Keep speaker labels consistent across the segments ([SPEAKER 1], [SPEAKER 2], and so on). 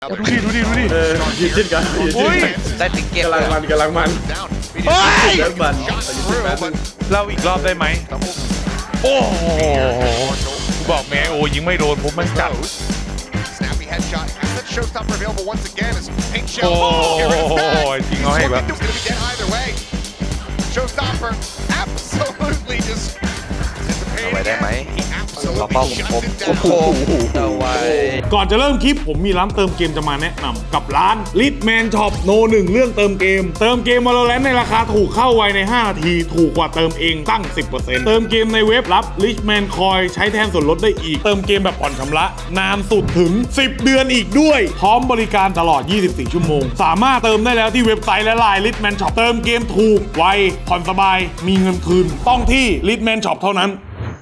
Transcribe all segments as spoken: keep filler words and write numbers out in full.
[SPEAKER 1] ดูดิดูดิดูดิ
[SPEAKER 2] เออยืดเช่นกันยืด
[SPEAKER 1] อุ้ย
[SPEAKER 3] ได้ติ๊กเก็ต
[SPEAKER 2] กำลังมันกำลังมัน
[SPEAKER 1] เฮ้ย
[SPEAKER 2] เลิกมันแต่ยืดเช่นแป๊บนึง
[SPEAKER 1] เราอีกรอบได้ไหมโอ้โหกูบอกแม่โอ้ยิงไม่โดนผมมันจัด
[SPEAKER 4] Snappy headshot. Has that showstopper available once again as Pink
[SPEAKER 1] โอ้
[SPEAKER 4] Shell.
[SPEAKER 1] ยจริงเอาให้แบบ
[SPEAKER 4] He's gonna be dead either way. Showstopper absolutely just
[SPEAKER 3] เอาไว้ได้ไหม
[SPEAKER 4] He
[SPEAKER 3] เรา
[SPEAKER 4] absolutely
[SPEAKER 3] เป้าคม
[SPEAKER 4] shut
[SPEAKER 3] ค
[SPEAKER 4] him
[SPEAKER 3] ม
[SPEAKER 4] down.
[SPEAKER 3] เอาไว้
[SPEAKER 5] ก่อนจะเริ่มคลิปผมมีร้านเติมเกมจะมาแนะนำกับร้าน Litman Shop โนหนึ่งเรื่องเติมเกม เติมเกม Valorant ในราคาถูกเข้าไวในห้านาทีถูกกว่าเติมเองตั้ง สิบเปอร์เซ็นต์ เติมเกมในเว็บรับ Litman Coin ใช้แทนส่วนลดได้อีก เติมเกมแบบผ่อนชำระนานสุดถึงสิบเดือนอีกด้วย พร้อมบริการตลอดยี่สิบสี่ชั่วโมงสามารถเติมได้แล้วที่เว็บไซต์และไลน์ Litman Shop เติมเกมถูกไวผ่อนสบายมีเงินคืนต้องที่ Litman Shop เท่านั้น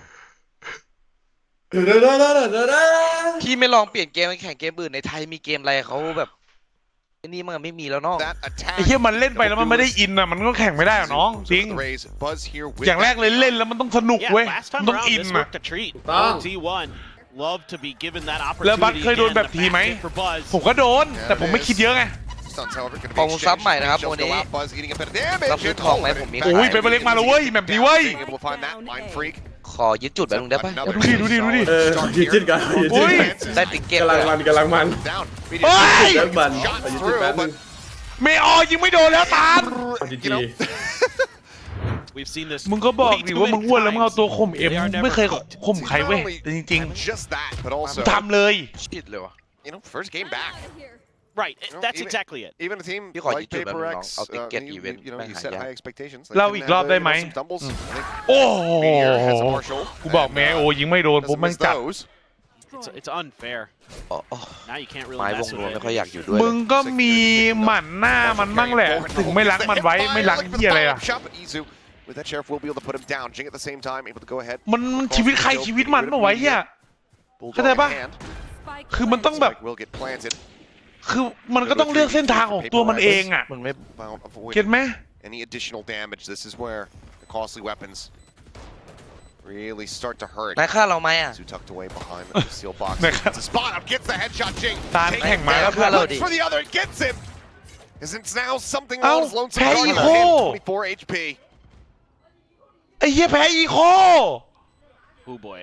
[SPEAKER 3] พี่ไม่ลองเปลี่ยนเกมไปแข่งเกมอื่นในไทยมีเกมอะไรเขาแบบไอ้นี่มันไม่มีแล้วเนาะ
[SPEAKER 4] That attack
[SPEAKER 1] ไอ้เหี้ยมันเล่นไปแล้วมันไม่ได้อินอ่ะมันก็แข่งไม่ได้หรอน้องจริง
[SPEAKER 4] Raise Buzz here with
[SPEAKER 1] อย่างแรกเลยเล่นแล้วมันต้องสนุก
[SPEAKER 6] Yeah,
[SPEAKER 1] เว้ย
[SPEAKER 6] last
[SPEAKER 1] มัน
[SPEAKER 6] time
[SPEAKER 1] ต้อง
[SPEAKER 6] around
[SPEAKER 1] อิน
[SPEAKER 6] this
[SPEAKER 1] อ่ะ
[SPEAKER 6] worked a treat.
[SPEAKER 2] Bang.
[SPEAKER 6] T one love to be given that
[SPEAKER 1] แล้วบัต
[SPEAKER 6] opportunity
[SPEAKER 1] เคยโดน
[SPEAKER 6] again.
[SPEAKER 1] แบบ
[SPEAKER 6] The
[SPEAKER 1] ทีไหม
[SPEAKER 6] back hit for Buzz.
[SPEAKER 1] ผมก็โดนแต่ผมไม่คิดเยอะไง
[SPEAKER 4] Stuns, however, gonna
[SPEAKER 3] ของ
[SPEAKER 4] be
[SPEAKER 3] ซับ
[SPEAKER 4] exchanged.
[SPEAKER 3] ใหม่นะครับ
[SPEAKER 4] Shells
[SPEAKER 3] วัน
[SPEAKER 4] go
[SPEAKER 3] นี้
[SPEAKER 4] out, Buzz getting a bit of damage.
[SPEAKER 3] รับซื้อทองไหมผมมี
[SPEAKER 1] โอ้ยเป็นเบลเล็กมาแล้วเว้ยแบบนี้เว้ย
[SPEAKER 4] Being able to find that Mind Freak.
[SPEAKER 3] ขอยึดจุดแบบนึงได้ปะ
[SPEAKER 4] Another
[SPEAKER 1] ดูดิดูดิดูดิ
[SPEAKER 2] เออยืดเช่นกันยืด
[SPEAKER 1] อุ้
[SPEAKER 2] เช่น
[SPEAKER 1] ย
[SPEAKER 2] กัน
[SPEAKER 3] ได้ติ๊กเก็ต
[SPEAKER 2] กำลังมันกำลังมัน
[SPEAKER 4] Down.
[SPEAKER 1] เฮ้ย
[SPEAKER 2] เลิกมัน
[SPEAKER 4] Shot
[SPEAKER 2] แต่ยืดเช่น
[SPEAKER 4] through,
[SPEAKER 2] แป๊บนึ
[SPEAKER 4] but
[SPEAKER 2] ง
[SPEAKER 1] เมออยิงไม่โดนแล้วตาม
[SPEAKER 2] จี
[SPEAKER 4] you
[SPEAKER 2] จี
[SPEAKER 4] know,
[SPEAKER 6] We've seen this
[SPEAKER 1] มึงก็บอก
[SPEAKER 6] way
[SPEAKER 1] ดิ
[SPEAKER 6] too
[SPEAKER 1] ว่ามึง
[SPEAKER 6] many
[SPEAKER 1] อ้วนแล้วมึงเอา
[SPEAKER 6] times.
[SPEAKER 1] ตัวข่มเอ็ม
[SPEAKER 6] They are never
[SPEAKER 1] ไม่เคย
[SPEAKER 6] cooked.
[SPEAKER 1] ข่มใครเว้ยแต่จริง
[SPEAKER 4] just that, but
[SPEAKER 1] ๆ
[SPEAKER 4] also
[SPEAKER 1] ทำเลย
[SPEAKER 3] ชิดเลยวะ
[SPEAKER 4] you know, first game back.
[SPEAKER 6] Right,
[SPEAKER 4] know,
[SPEAKER 6] that's
[SPEAKER 4] even-
[SPEAKER 6] exactly it.
[SPEAKER 4] Even a team
[SPEAKER 3] You got
[SPEAKER 4] like
[SPEAKER 3] YouTube
[SPEAKER 4] Paper
[SPEAKER 3] and
[SPEAKER 4] X,
[SPEAKER 3] I'll
[SPEAKER 4] uh,
[SPEAKER 3] get
[SPEAKER 4] you,
[SPEAKER 3] even
[SPEAKER 4] you know, you
[SPEAKER 3] back,
[SPEAKER 4] set
[SPEAKER 3] yeah.
[SPEAKER 4] high expectations.
[SPEAKER 1] เรา
[SPEAKER 4] can
[SPEAKER 1] อีก
[SPEAKER 4] have,
[SPEAKER 1] รอบ
[SPEAKER 4] uh,
[SPEAKER 1] ได้
[SPEAKER 4] you
[SPEAKER 1] ไหม
[SPEAKER 4] know, some doubles. I think
[SPEAKER 1] โอ้โห
[SPEAKER 4] Meteor has a Marshall.
[SPEAKER 1] กูบอกแม่โอ้ยิงไม่โดนผม
[SPEAKER 4] Doesn't
[SPEAKER 1] มัน
[SPEAKER 4] miss
[SPEAKER 1] จัด
[SPEAKER 4] those.
[SPEAKER 6] It's, it's unfair.
[SPEAKER 3] อ๋ออ๋อ
[SPEAKER 6] Now you can't
[SPEAKER 3] ไม้
[SPEAKER 6] really
[SPEAKER 3] วง
[SPEAKER 6] mess
[SPEAKER 3] รวม
[SPEAKER 6] with
[SPEAKER 3] ไม่
[SPEAKER 6] it.
[SPEAKER 3] ค่อยอยากอยู่ด้วย
[SPEAKER 1] มึงก็มีหมั่นหน้ามันบ้างแหละ ถึงไม่ล้างมันไว้ไม่ล้างเหี้ยอะไรอ่ะ
[SPEAKER 4] Shot, but Izu, with that sheriff will be able to put him down. Jing at the same time, able to go ahead.
[SPEAKER 1] มันมันชีวิตใครชีวิตมันเปล่าวะเหี้ย เข้าใจปะ คือมันต้องแบบ
[SPEAKER 4] will get planted.
[SPEAKER 1] คือมันก็ต้องเลือกเส้นทางของตัวมันเองอ่ะ
[SPEAKER 3] มึงไม่
[SPEAKER 4] About avoiding
[SPEAKER 1] เก็ตไหม
[SPEAKER 4] any additional damage. This is where the costly weapons really start to hurt.
[SPEAKER 3] นายฆ่าเราไหมอ่ะ
[SPEAKER 4] Izu tucked away behind the steel box.
[SPEAKER 1] Naka-
[SPEAKER 4] It's a spot up, gets the headshot. Jing.
[SPEAKER 1] Tan
[SPEAKER 4] Takes
[SPEAKER 1] Kang
[SPEAKER 4] it
[SPEAKER 1] Ma
[SPEAKER 4] down,
[SPEAKER 1] แล้วเพื่อนเรา
[SPEAKER 4] looks
[SPEAKER 3] ดิ
[SPEAKER 4] for the other, gets him. As it's now something
[SPEAKER 1] เอ้า
[SPEAKER 4] else. Lonesome
[SPEAKER 1] แพ้
[SPEAKER 4] Guardian
[SPEAKER 1] อี
[SPEAKER 4] in
[SPEAKER 1] โค
[SPEAKER 4] hand, twenty-four H P.
[SPEAKER 1] ไอ้เหี้ยแพ้อีโค
[SPEAKER 6] Oh boy,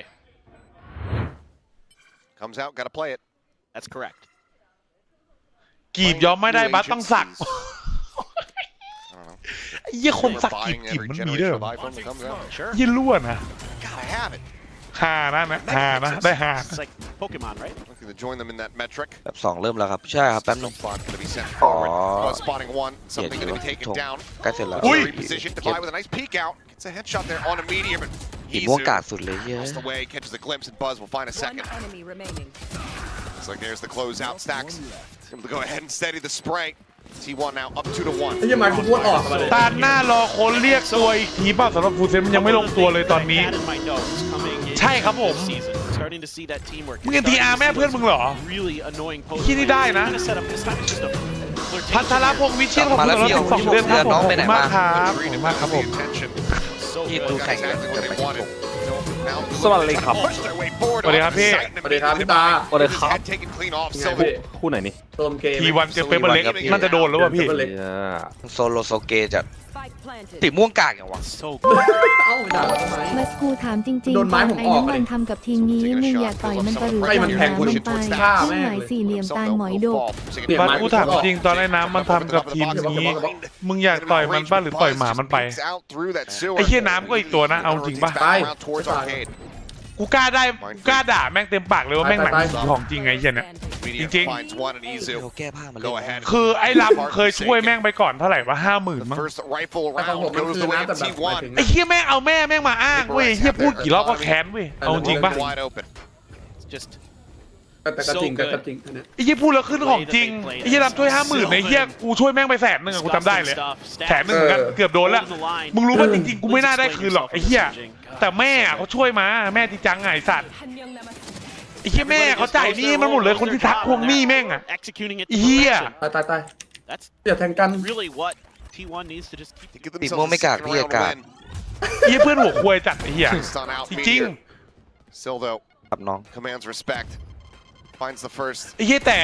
[SPEAKER 4] Comes out, gotta play it.
[SPEAKER 6] that's correct.
[SPEAKER 1] กีบยอมไม่ได้บัสต้องสัก
[SPEAKER 4] I don't know.
[SPEAKER 1] ไอ้เหี้ยคนสักกีบ
[SPEAKER 4] Buying
[SPEAKER 1] กีบ
[SPEAKER 4] every
[SPEAKER 1] มันมีด้วย
[SPEAKER 4] generation
[SPEAKER 1] เหร
[SPEAKER 4] of
[SPEAKER 1] อ
[SPEAKER 4] iPhone that comes out.
[SPEAKER 6] Sure.
[SPEAKER 1] เหี้ยล้วนนะ
[SPEAKER 4] Gotta have it.
[SPEAKER 1] หานะนะหานะได้หา
[SPEAKER 6] It's like Pokemon, right?
[SPEAKER 4] Looking to join them in that metric.
[SPEAKER 3] แบบสองเริ่มแล้วครับใช่ครับแป๊บนึง
[SPEAKER 4] Spot gonna be sent forward.
[SPEAKER 3] Aw.
[SPEAKER 4] Buzz spotting one.
[SPEAKER 3] เกลียด
[SPEAKER 4] Something
[SPEAKER 3] อยู่
[SPEAKER 4] gonna be taken
[SPEAKER 3] ทง
[SPEAKER 4] down.
[SPEAKER 3] ใกล้เสร็จแล้ว
[SPEAKER 1] อุ้ย
[SPEAKER 4] Repositioned to buy with a nice peek out. Gets a headshot there on a medium. And
[SPEAKER 3] กีบม่วงกา
[SPEAKER 4] Izu
[SPEAKER 3] ดสุดเลยเหี้ย
[SPEAKER 4] lost the way, catches a glimpse, and Buzz will find a
[SPEAKER 7] One
[SPEAKER 4] second.
[SPEAKER 7] enemy remaining.
[SPEAKER 4] Looks like there's the closeout stacks. Able to go ahead and steady the spray. T one now up two to one.
[SPEAKER 2] ไอ้ยังไงกูพูดออกมาเลย
[SPEAKER 1] ตาหน้ารอคนเรียกตัวอีกทีเปล่าสำหรับฟูเซนมันยังไม่ลงตัวเลยตอนนี้
[SPEAKER 6] I had in my notes coming in
[SPEAKER 1] ใช่ครับผม
[SPEAKER 6] this season. Starting to see that teamwork.
[SPEAKER 1] มึงเอ็นทีอาร์แม่เพื่อนมึงเหรอ
[SPEAKER 6] Really annoying post.
[SPEAKER 1] ที่นี่ได้นะ
[SPEAKER 6] Gonna set up this time. It's just a flirtation.
[SPEAKER 1] พัทรพงศ์วิเชียรขอบคุณสำหรับสิบสองเดือนครับผมขอบคุณมากครับขอบคุณมากครับผม
[SPEAKER 6] So
[SPEAKER 3] ที่
[SPEAKER 6] good.
[SPEAKER 3] ดูแข่ง
[SPEAKER 4] Exactly what they wanted. Now
[SPEAKER 8] สวัสดีครับ
[SPEAKER 4] push their way forward.
[SPEAKER 1] สวัสดีครับพี่
[SPEAKER 4] Sight and
[SPEAKER 2] สวัสดีครับพี่ตา
[SPEAKER 8] สวัสดีครับ
[SPEAKER 4] Head taken clean off.
[SPEAKER 2] ยังไง
[SPEAKER 4] Silver
[SPEAKER 2] พี่
[SPEAKER 8] คู่ไหนนี่
[SPEAKER 2] เติมเกม
[SPEAKER 1] ทีวันเจอเปเปอร์เล็กน่าจะโดนแล้วว่ะพี่
[SPEAKER 2] เปเปอร์เล็ก
[SPEAKER 8] เหี้ย
[SPEAKER 3] โซโลโซเกจะ
[SPEAKER 7] Spike planted.
[SPEAKER 3] ติม่วงกากอย่างวะ
[SPEAKER 6] So good.
[SPEAKER 2] เอ้าด่าทำไม
[SPEAKER 9] มัสกูถามจริง
[SPEAKER 2] โดน
[SPEAKER 9] ๆ
[SPEAKER 2] ไม้
[SPEAKER 9] ตอน
[SPEAKER 2] ผม
[SPEAKER 9] ไอ้
[SPEAKER 2] ออก
[SPEAKER 9] น้ำมัน
[SPEAKER 2] เลย
[SPEAKER 9] ทำกับทีมนี้มึงอยากต่อยมันปะหรือ
[SPEAKER 2] ให้มันแทงกู
[SPEAKER 9] น้ำ
[SPEAKER 2] ชิ
[SPEAKER 9] มั
[SPEAKER 2] ด
[SPEAKER 9] นไป
[SPEAKER 2] ฆ่าแม่
[SPEAKER 9] เครื่อง
[SPEAKER 2] ง
[SPEAKER 9] หมายสี่เหลี่ยมตายหมอยโดก
[SPEAKER 1] บัสกูถามจริงตอนไอ้น้ำมันทำกับทีมนี้ มึงอยากต่อยมันป่ะหรือต่อยหมามันไป ไอ้เหี้ยน้ำก็อีกตัวนะเอาจริงป่ะ
[SPEAKER 2] ไป
[SPEAKER 1] กูกล้าได้กูกล้าด่าแม่งเต็มปากเลยว่าแม่งหนังผีของจริงไงไอ้เหี้ยเนี่ย จริง
[SPEAKER 3] เขาแก้ผ้ามาเล่
[SPEAKER 4] Go
[SPEAKER 3] น
[SPEAKER 4] ahead.
[SPEAKER 1] คือไอ้ลำเคยช่วยแม่งไปก่อนเท่าไหร่วะห้าหมื่น
[SPEAKER 4] The
[SPEAKER 1] มั้ง
[SPEAKER 4] first rifle
[SPEAKER 2] แต่ของผม
[SPEAKER 4] round
[SPEAKER 2] มัน
[SPEAKER 4] goes
[SPEAKER 2] คื
[SPEAKER 4] the
[SPEAKER 2] อ
[SPEAKER 4] way
[SPEAKER 2] นะ
[SPEAKER 4] of
[SPEAKER 2] แต่แบบ
[SPEAKER 4] T
[SPEAKER 2] หมาย
[SPEAKER 4] one.
[SPEAKER 2] ถึง
[SPEAKER 1] ไอ้เหี้ยแม่งเอาแม่แม่งมาอ้างเว้ยเหี้ยพูดกี่รอบก็แค้นเว้ยเอาจริงป่ะ
[SPEAKER 4] Wide open.
[SPEAKER 6] It's just
[SPEAKER 2] แต่แต่ก็จริงแต่ก็จริงอันเนี้ย
[SPEAKER 1] ไอ้เหี้ยพูดแล้วขึ้นของจริงไอ้เหี้ยลำช่วยห้าหมื่นไอ้เหี้ยกูช่วยแม่งไปแสนหนึ่งอะกูจำได้เลยแสนหนึ่งเหมือนกันเกือบโดนแล้ว มึงรู้ว่าจริงๆกูไม่น่าได้คืนหรอกไอ้เหี้ยแต่แม่เขาช่วยมาแม่จริงจังไงสัตว์ ไอ้เหี้ยแม่เขาจ่ายหนี้มันหมดเลยคนที่ทักทวงหนี้แม่งอะ
[SPEAKER 6] Executing it
[SPEAKER 1] ไอ้เหี้ย
[SPEAKER 6] perfection.
[SPEAKER 2] ตายตายตาย
[SPEAKER 6] That's
[SPEAKER 2] อย่าแทงกัน
[SPEAKER 6] really what T one needs to just keep.
[SPEAKER 4] To give
[SPEAKER 3] ติ
[SPEAKER 4] themselves
[SPEAKER 3] ม่วง
[SPEAKER 4] a
[SPEAKER 3] ไม่กาก
[SPEAKER 4] second
[SPEAKER 3] พี่
[SPEAKER 4] round
[SPEAKER 3] อากาศ
[SPEAKER 4] win.
[SPEAKER 1] ไอ้เหี้ยเพื่อนหัวควยจัดไอ้เหี้ย
[SPEAKER 4] Stun out
[SPEAKER 1] จริง
[SPEAKER 4] Meteor. Sildo
[SPEAKER 3] กับน้อง
[SPEAKER 4] commands respect. Finds the first.
[SPEAKER 1] ไอ้เหี้ยแต่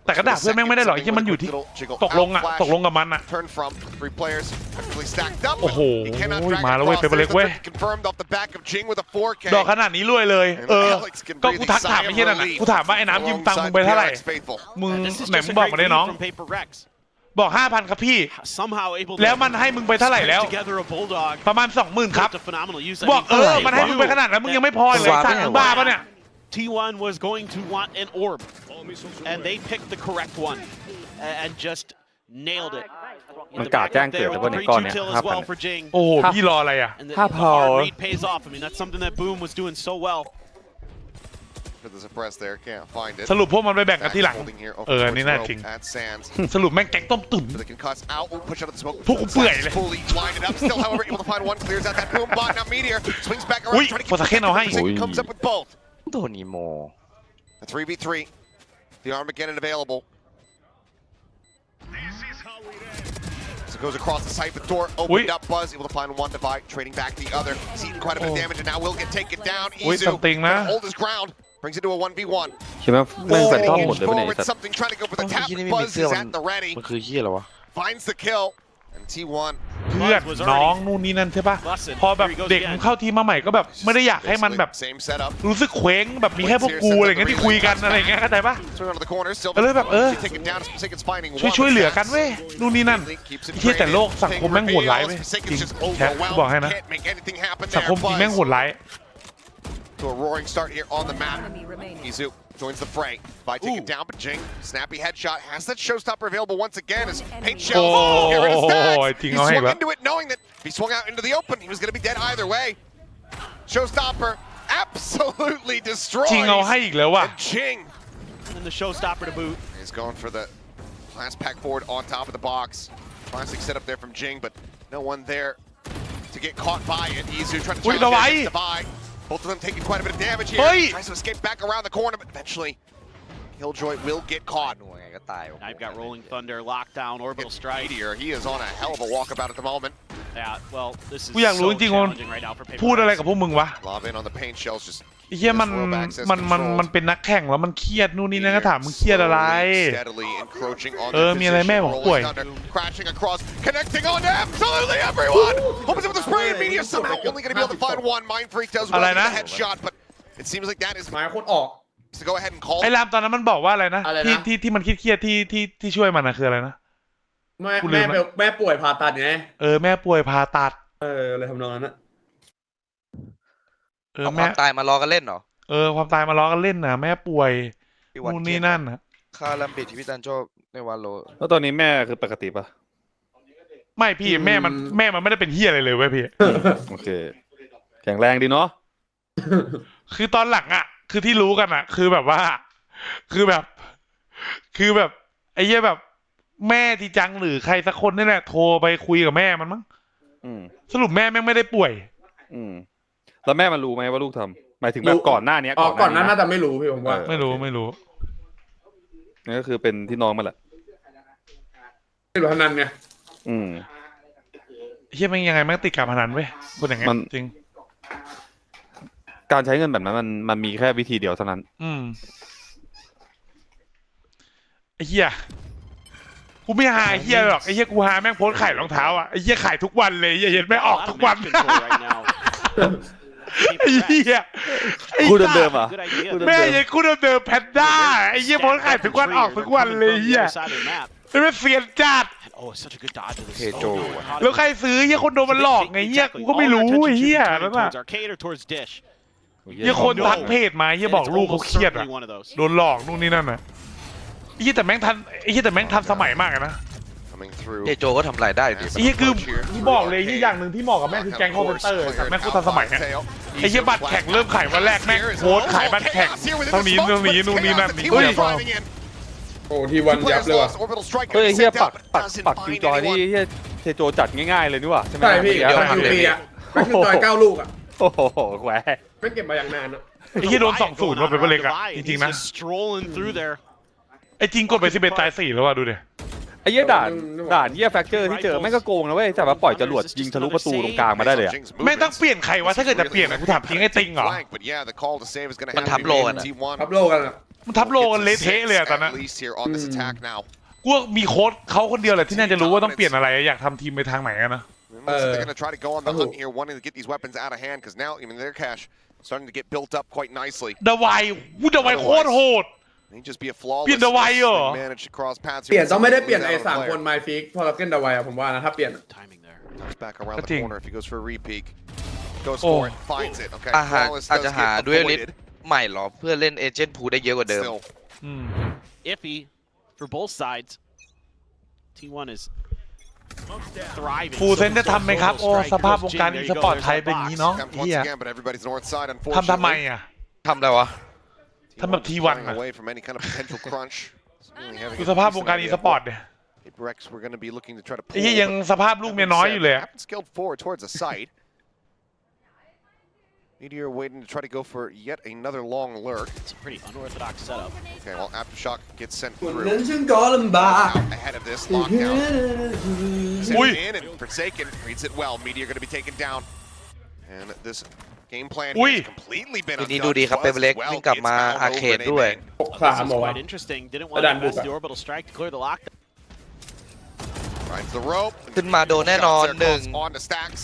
[SPEAKER 1] แต่ก็ด่าเพื่อนแม่งไม่ได้หรอกที่มันอยู่ที่ตกลงอ่ะตกลงกับมันอ่ะ
[SPEAKER 4] Turn from three players actually stacked up.
[SPEAKER 1] โอ้โห
[SPEAKER 4] He cannot drag
[SPEAKER 1] มาแล้วเว้ย
[SPEAKER 4] across.
[SPEAKER 1] เปเปอร์เล็กเว้ย
[SPEAKER 4] Confirmed off the back of Jing with a four K.
[SPEAKER 1] ดอกขนาดนี้รวยเลย เออ ก็กูทักถามไอ้เหี้ยนั่นน่ะกูถามว่าไอ้น้ำยืมตังค์มึงไปเท่าไหร่ มึง
[SPEAKER 6] This is
[SPEAKER 1] ไหน
[SPEAKER 6] just
[SPEAKER 1] มึ
[SPEAKER 6] a
[SPEAKER 1] งบอก
[SPEAKER 6] great
[SPEAKER 1] มาได้
[SPEAKER 6] lead
[SPEAKER 1] น้อง
[SPEAKER 6] from Paper Rex.
[SPEAKER 1] บอกห้าพันครับพี่
[SPEAKER 6] Somehow able to
[SPEAKER 1] แล้วมันให้มึงไปเท่าไหร่แล้ว
[SPEAKER 6] string together a bulldog.
[SPEAKER 1] ประมาณสองหมื่นครับ
[SPEAKER 6] It's a phenomenal use. I
[SPEAKER 1] บอก
[SPEAKER 6] mean,
[SPEAKER 1] เออ
[SPEAKER 6] they
[SPEAKER 1] มันให้มึงไป
[SPEAKER 6] knew
[SPEAKER 1] ขนาดนั้นมึงยังไม่พอเลยสั่งมึงบ้าปะเนี่ย
[SPEAKER 6] T one was going to want an orb, and they picked the correct one a- and just nailed it. In
[SPEAKER 7] มัน
[SPEAKER 6] the
[SPEAKER 7] กาด
[SPEAKER 6] back
[SPEAKER 7] แจ้ง
[SPEAKER 6] up
[SPEAKER 7] เกิด
[SPEAKER 6] there
[SPEAKER 7] แล้ว
[SPEAKER 6] with
[SPEAKER 7] ก็
[SPEAKER 6] the
[SPEAKER 7] ในก้อน
[SPEAKER 6] three two
[SPEAKER 7] เนี่ย
[SPEAKER 6] kill
[SPEAKER 7] ห้า
[SPEAKER 6] as
[SPEAKER 7] พัน
[SPEAKER 6] well for Jing.
[SPEAKER 1] โอ้โหพี่รออะไรอ่ะ
[SPEAKER 6] And the,
[SPEAKER 7] ห้า
[SPEAKER 6] the
[SPEAKER 7] พอ
[SPEAKER 6] hard read pays off. I mean, that's something that Boom was doing so well.
[SPEAKER 4] For the suppress there, can't find it.
[SPEAKER 1] สรุปพวกมันไปแบ่งกันที่หลัง
[SPEAKER 4] Holding here over
[SPEAKER 1] เออ
[SPEAKER 4] towards
[SPEAKER 1] นี่น่า
[SPEAKER 4] rope
[SPEAKER 1] จริง
[SPEAKER 4] at Sands.
[SPEAKER 1] สรุปแม่งแก๊งต้มตุ๋น
[SPEAKER 4] For the concuss out, oh, push out of the smoke.
[SPEAKER 1] พวกกูเปื่อยเลย
[SPEAKER 4] Sands fully lined it up. Still, however, able to find one. Clears out that boom bot. Now Meteor swings back
[SPEAKER 1] อุ้ย
[SPEAKER 4] around. Trying to
[SPEAKER 1] โฟร์ซาเคนเอาให้
[SPEAKER 4] get comes up with both.
[SPEAKER 7] โดนอีโม
[SPEAKER 4] A three v three. The Armageddon available. So it goes across the site, but door opened
[SPEAKER 1] Ui.
[SPEAKER 4] up. Buzz able to find one divide, trading back the other. He's eaten quite a bit of
[SPEAKER 1] Oh.
[SPEAKER 4] damage, and now will get taken down.
[SPEAKER 1] Ui,
[SPEAKER 4] Izu
[SPEAKER 1] something
[SPEAKER 4] gonna
[SPEAKER 1] na.
[SPEAKER 4] hold his ground. Brings it to a one v one.
[SPEAKER 7] คิดว่าแม่งแฟนทอมหมดเลยปะเนี่ยไอ้
[SPEAKER 4] Forward,
[SPEAKER 7] สัตว์
[SPEAKER 4] something trying to go for the
[SPEAKER 7] ไอ้
[SPEAKER 4] tap.
[SPEAKER 7] ที่นี่ไม่มี
[SPEAKER 4] Buzz
[SPEAKER 7] เสื้อ
[SPEAKER 4] is
[SPEAKER 7] มัน
[SPEAKER 4] at the ready.
[SPEAKER 7] มันคือเหี้ยอะไรวะ
[SPEAKER 4] Finds the kill. And T one
[SPEAKER 1] เพื่อนน้องนู่นนี่นั่นใช่ปะพอแบบเด็กมึงเข้าทีมมาใหม่ก็แบบไม่ได้อยากให้มันแบบ
[SPEAKER 4] same setup.
[SPEAKER 1] รู้สึกเคว้งแบบมีแค่พวกกูอะไรเงี้ยที่คุยกันอะไรเงี้ยเข้าใจปะ
[SPEAKER 4] Swing onto the corner. Still
[SPEAKER 1] ก็เลยแบบเออ
[SPEAKER 4] taken down. Forsaken's finding
[SPEAKER 1] ช่วย
[SPEAKER 4] one.
[SPEAKER 1] ช่วยเหลือกันเว้ยนู่นนี่นั่น
[SPEAKER 4] Keeps it
[SPEAKER 1] ไอ้เหี้ยแต่โลก
[SPEAKER 4] traded.
[SPEAKER 1] สังคมแม่งโหดร้ายเว้ย
[SPEAKER 4] Forsaken's
[SPEAKER 1] จริง
[SPEAKER 4] just
[SPEAKER 1] แค่กูบอกให้นะ
[SPEAKER 4] overwhelmed. Can't make anything happen
[SPEAKER 1] สัง
[SPEAKER 4] there.
[SPEAKER 1] คมจริงแม่งโหดร้าย
[SPEAKER 4] To a roaring start here on the map. Izu joins the fray. By taken
[SPEAKER 1] Ooh.
[SPEAKER 4] down, but Jing, snappy headshot, has that showstopper available once again as paint
[SPEAKER 1] Oh,
[SPEAKER 4] shells. Get rid of stacks.
[SPEAKER 1] I think
[SPEAKER 4] He
[SPEAKER 1] I'll
[SPEAKER 4] swung
[SPEAKER 1] have
[SPEAKER 4] into it knowing that if he swung out into the open, he was going to be dead either way. Showstopper absolutely
[SPEAKER 1] จริง
[SPEAKER 4] destroys.
[SPEAKER 1] เอาให้อีกแล้วว่ะ
[SPEAKER 4] And Jing
[SPEAKER 6] And the showstopper to boot.
[SPEAKER 4] is going for the last pack forward on top of the box. Classic setup there from Jing, but no one there to get caught by it. Izu trying to
[SPEAKER 1] Wait,
[SPEAKER 4] challenge
[SPEAKER 1] no,
[SPEAKER 4] the
[SPEAKER 1] I-
[SPEAKER 4] divide. Both of them taking quite a bit of damage here.
[SPEAKER 1] Hey!
[SPEAKER 4] Tries to escape back around the corner, but eventually Killjoy will get caught.
[SPEAKER 7] หน่วยไงก็ตาย
[SPEAKER 6] Now you've got Rolling Thunder, Lockdown, Orbital
[SPEAKER 4] It's
[SPEAKER 6] Strike.
[SPEAKER 4] Meteor. He is on a hell of a walkabout at the moment.
[SPEAKER 6] Yeah, well, this is
[SPEAKER 1] กูอยากรู้
[SPEAKER 6] so
[SPEAKER 1] จริงๆว่า
[SPEAKER 6] challenging right now for Paper
[SPEAKER 1] พูดอะไร
[SPEAKER 6] Rex.
[SPEAKER 1] กับพวกมึงวะ
[SPEAKER 4] Lob in on the paint shells, just
[SPEAKER 1] ไอ้เหี้ยมัน
[SPEAKER 4] Rope access
[SPEAKER 1] มันมัน
[SPEAKER 4] control.
[SPEAKER 1] มันเป็นนักแข่งแล้วมันเครียดนู่นนี่นั่นก็ถามมึงเครียดอะไร
[SPEAKER 4] slowly, steadily encroaching on
[SPEAKER 1] เออ
[SPEAKER 4] their
[SPEAKER 1] มีอะไร
[SPEAKER 4] position.
[SPEAKER 1] แม่บอก
[SPEAKER 4] Rolling
[SPEAKER 1] ป่วย
[SPEAKER 4] Thunder crashing across, connecting on to absolutely everyone. Opens up with a spray, and Meteor somehow only going to be able to find one. Mind Freak does well
[SPEAKER 1] อะไร
[SPEAKER 4] with
[SPEAKER 1] นะ
[SPEAKER 4] the headshot, but it seems like that is
[SPEAKER 2] หมายโคตรออก
[SPEAKER 4] to go ahead and call.
[SPEAKER 1] ไอ้รามตอนนั้นมันบอกว่าอะไรนะ
[SPEAKER 2] อะไรนะ
[SPEAKER 1] ที่ที่ที่มันเครียดๆที่ที่ที่ช่วยมันนะคืออะไรนะ
[SPEAKER 2] แม่
[SPEAKER 1] กูลื
[SPEAKER 2] แม่
[SPEAKER 1] มละ
[SPEAKER 2] แม่ป่วยผ่าตัดไง
[SPEAKER 1] เออแม่ป่วยผ่าตัด
[SPEAKER 2] เอออะไรทำนองนั้นนะ
[SPEAKER 1] เออ
[SPEAKER 3] เอาค
[SPEAKER 1] แม่
[SPEAKER 3] วามตายมารอกันเล่นเหรอ
[SPEAKER 1] เออความตายมาล้อกันเล่นนะแม่ป่วย
[SPEAKER 3] พี่วัน
[SPEAKER 1] นู่นนี่นั่นนะ
[SPEAKER 3] ค่าลัมบิดที่พี่ตันโจในวันโล
[SPEAKER 7] แล้วตอนนี้แม่คือปกติปะ
[SPEAKER 1] ไม่พี่แม่มันแม่มันไม่ได้เป็นเฮียอะไรเลยเว้ยพี่
[SPEAKER 7] โอเค แข็งแรงดีเนาะ
[SPEAKER 1] คือตอนหลังอ่ะ คือที่รู้กันอ่ะ คือแบบว่า คือแบบ คือแบบไอ้เหี้ยแบบ แม่ที่จังหรือใครสักคนนี่แหละโทรไปคุยกับแม่มันมั้ง
[SPEAKER 7] อืม
[SPEAKER 1] สรุปแม่แม่งไม่ได้ป่วย
[SPEAKER 7] อืมแล้วแม่มันรู้ไหมว่าลูกทำหมายถึงแบบก่อนหน้านี้
[SPEAKER 2] อ๋อก่อนหนั้านน่า
[SPEAKER 7] ะ
[SPEAKER 2] จะไม่รู้พี่ผมว่า
[SPEAKER 7] เออ
[SPEAKER 1] ไม่รู้ไม่รู้
[SPEAKER 7] นั่นก็คือเป็นที่น้องมันแหละ
[SPEAKER 2] ไม่รู้พนันไง
[SPEAKER 7] อืม
[SPEAKER 1] เฮียแม่งยังไงแม่งติดการพนันเว้ยคนอย่างเงี้ย
[SPEAKER 7] มัน
[SPEAKER 1] จริง
[SPEAKER 7] การใช้เงินแบบนั้นมันมันมีแค่วิธีเดียวเท่านั้น
[SPEAKER 1] อืมไอ้เหี้ยกูไม่หาไอ้เหี้ยหรอกไอ้เหี้ยกูหาแม่งโพสต์ขายรองเท้าอ่ะไอ้เหี้ยขายทุกวันเลยไอ้เหี้ยเห็นแม่งออก
[SPEAKER 6] A lot
[SPEAKER 1] ทุ
[SPEAKER 6] of
[SPEAKER 1] กวัน
[SPEAKER 6] match control right now.
[SPEAKER 1] ไอ้
[SPEAKER 6] Paper
[SPEAKER 1] เหี้
[SPEAKER 6] Rex.
[SPEAKER 1] ยไอ้
[SPEAKER 7] คู่
[SPEAKER 1] สัตว์
[SPEAKER 7] เดิมๆอ่ะ
[SPEAKER 6] Good idea.
[SPEAKER 7] คู่
[SPEAKER 1] แม่
[SPEAKER 7] เดิม
[SPEAKER 1] ยังกูเดิมๆแพนด้าไอ้เหี้ยโพสต์ขายทุกวันออกทุกวันเลยไอ้เหี้ย
[SPEAKER 6] Side of the map.
[SPEAKER 1] ไม่เป็นเสียนจัด
[SPEAKER 6] Oh, it's such a good dodge of this.
[SPEAKER 3] Okay,
[SPEAKER 6] Oh,
[SPEAKER 3] Joe.
[SPEAKER 6] no, caught him.
[SPEAKER 1] แล้วใครซื้อเหี้ยคนโดนมันหลอกไงเหี้ยกูก็ไม่รู้ไอ้เหี้ยนั่น
[SPEAKER 6] Turning
[SPEAKER 1] น่ะ
[SPEAKER 6] towards arcade or towards dish.
[SPEAKER 1] เหี้ยคนทักเพจมาเหี้ย
[SPEAKER 6] And
[SPEAKER 1] บอก
[SPEAKER 6] it's
[SPEAKER 1] ลูกเขา
[SPEAKER 6] almost
[SPEAKER 1] เครียดอ่ะ
[SPEAKER 6] certainly one of those.
[SPEAKER 1] โดนหลอกนู่นนี่นั่นน่ะไอ้เหี้ยแต่แม่งทันไอ้เหี้ยแต่แม่งทันสมัยมากอะนะ
[SPEAKER 4] Coming through.
[SPEAKER 3] เจโจก็ทำรายได้ดิ
[SPEAKER 1] ไอ้เหี้ยคือกูบอกเลยที่อย่างหนึ่งที่เหมาะกับแม่งคือแก๊งคอมเพนเตอร์แต่แม่งกูทันสมัยอะไอ้เหี้ยบัตรแข่งเริ่มขายวันแรกแม่งโพสต์ขายบัตรแข่งเท่านี้เท่านี้นู่นนี่นั่นนี่
[SPEAKER 2] เฮ้ย โอ้ทีวันยับเลยว่ะ
[SPEAKER 7] เฮ้ยเฮียปักปักปักคิวจอยนี่เฮียเทโจจัดง่ายๆเลยนี่หว่าใช่ไหม
[SPEAKER 2] ใช่พี่
[SPEAKER 7] เดี๋
[SPEAKER 2] เดี๋
[SPEAKER 7] ย
[SPEAKER 2] ยว วคิวปีอ่ะแม่งคือต่อยเก้าลูกอ่ะ
[SPEAKER 7] โอ้โหแหว
[SPEAKER 2] ไม่เก็บมาอย่างนานอ่ะ
[SPEAKER 1] ไอ้เหี้ยโดนสองศูนย์มาเป็นเล็กอะจริงๆนะ
[SPEAKER 6] He's just strolling through there.
[SPEAKER 1] ไอ้จริงกดไปสิบเอ็ดตายสี่แล้วว่ะดูดิ
[SPEAKER 7] ไอ้เหี้ยด่านด่านเหี้ยแฟกเจอร์ที่เจอแม่งก็โกงนะเว้ยแต่ว่าปล่อยจรวดยิงทะลุประตูตรงกลางมาได้เลยอะ
[SPEAKER 1] แม่งต้องเปลี่ยนใครวะถ้าเกิดจะเปลี่ยนอะกูถามจริงไอ้ติงเหรอ
[SPEAKER 4] But yeah, the call to save is going to
[SPEAKER 3] มัน
[SPEAKER 4] have to
[SPEAKER 3] ทับ
[SPEAKER 4] be
[SPEAKER 3] โล
[SPEAKER 4] made
[SPEAKER 3] กัน
[SPEAKER 4] in
[SPEAKER 3] อะ
[SPEAKER 4] T one.
[SPEAKER 2] ทับโลกันอ่ะ
[SPEAKER 1] มันทับโลกันเละเทะเลยอะตอนนั้น
[SPEAKER 4] At least here on this attack now.
[SPEAKER 1] กูว่ามีโค้ชเขาคนเดียวแหละที่น่าจะรู้ว่าต้องเปลี่ยนอะไรอยากทำทีมไปทางไหนอะนะ
[SPEAKER 4] It looks like they're going to try to go on the hunt here, wanting to get these weapons out of hand, because now even their cash starting to get built up quite nicely.
[SPEAKER 1] ดาวายวูดาวายโคตรโหด
[SPEAKER 4] May just be a flawless
[SPEAKER 1] เปลี่ยนดาวายเหรอ
[SPEAKER 4] manage to cross paths
[SPEAKER 2] เปลี่ยนต้องไม่ได้เปลี่ยน
[SPEAKER 4] Lose
[SPEAKER 2] ไอ้
[SPEAKER 4] out on a
[SPEAKER 2] สาม
[SPEAKER 4] player.
[SPEAKER 2] คนไมฟิกพอเราเก้นดาวายอะผมว่านะถ้าเปลี่ยน
[SPEAKER 6] Timing there.
[SPEAKER 4] Comes back around the
[SPEAKER 1] Cutting.
[SPEAKER 4] corner if he goes for a repeat. Goes
[SPEAKER 1] Oh.
[SPEAKER 4] for it, finds it. Okay,
[SPEAKER 3] อาหาร
[SPEAKER 4] flawless
[SPEAKER 3] อาจ
[SPEAKER 4] does
[SPEAKER 3] จะหา
[SPEAKER 4] get
[SPEAKER 3] ด้วยลิส
[SPEAKER 4] avoided.
[SPEAKER 3] ใหม่หรอเพื่อเล่นเอเจนต์พูได้เยอะกว่าเดิม
[SPEAKER 4] Still,
[SPEAKER 1] อืม
[SPEAKER 6] Iffy for both sides. T one is thriving.
[SPEAKER 1] ฟูลเซนจะทำไหมครับ โอ้สภาพวงการอีสปอร์ตไทยเป็นอย่างนี้เนาะ
[SPEAKER 4] attempt
[SPEAKER 1] เฮี
[SPEAKER 4] once
[SPEAKER 1] ย
[SPEAKER 4] again, but everybody's north side,
[SPEAKER 1] ทำทำไม
[SPEAKER 4] unfortunately.
[SPEAKER 1] อ่ะ
[SPEAKER 3] ทำอะไรวะ
[SPEAKER 1] ทำแบบ
[SPEAKER 4] T one
[SPEAKER 1] ที วัน
[SPEAKER 4] shying
[SPEAKER 1] อะ
[SPEAKER 4] away from any kind of potential crunch. Really having
[SPEAKER 1] ดู
[SPEAKER 4] a
[SPEAKER 1] สภาพวง
[SPEAKER 4] decent
[SPEAKER 1] การอี
[SPEAKER 4] idea
[SPEAKER 1] ส
[SPEAKER 4] of
[SPEAKER 1] ปอร์ต
[SPEAKER 4] what
[SPEAKER 1] เนี่ย
[SPEAKER 4] Apex we're going to be looking to try to
[SPEAKER 1] ไอ้
[SPEAKER 4] pull.
[SPEAKER 1] เหี้ยยัง
[SPEAKER 4] but
[SPEAKER 1] สภาพลูกเมียน้อยอยู่เลยอะ
[SPEAKER 4] Happen skilled forward towards the site. Meteor waiting to try to go for yet another long lurk.
[SPEAKER 6] It's a pretty unorthodox setup.
[SPEAKER 4] Okay, well, Aftershock gets sent
[SPEAKER 2] คน
[SPEAKER 4] through.
[SPEAKER 2] นั้นฉันก็ลำบาก
[SPEAKER 4] Out ahead of this lockdown. Sent
[SPEAKER 1] Ui.
[SPEAKER 4] in and Forsaken reads it well. Meteor going to be taken down. And this game plan
[SPEAKER 1] Ui.
[SPEAKER 4] has completely been
[SPEAKER 3] ทีนี้
[SPEAKER 4] undone.
[SPEAKER 3] ดูดีครับ
[SPEAKER 4] Was
[SPEAKER 3] เปเปอร์เล็ก
[SPEAKER 4] as well.
[SPEAKER 3] วิ่งกลับ
[SPEAKER 4] It's
[SPEAKER 3] มา
[SPEAKER 4] found
[SPEAKER 3] อา
[SPEAKER 4] over
[SPEAKER 3] เคด
[SPEAKER 4] in
[SPEAKER 3] ด้วย
[SPEAKER 4] Amen.
[SPEAKER 2] หก
[SPEAKER 6] This
[SPEAKER 2] สาม
[SPEAKER 6] is
[SPEAKER 2] เอาไว้
[SPEAKER 6] quite interesting. Didn't want
[SPEAKER 2] ดั
[SPEAKER 6] to
[SPEAKER 2] นบุก
[SPEAKER 6] invest
[SPEAKER 2] อะ
[SPEAKER 6] the orbital strike to clear the lockdown.
[SPEAKER 4] Finds the rope.
[SPEAKER 3] ขึ้นมาโดนแน่นอน
[SPEAKER 4] Shots there
[SPEAKER 3] หนึ่ง
[SPEAKER 4] close on to Stacks.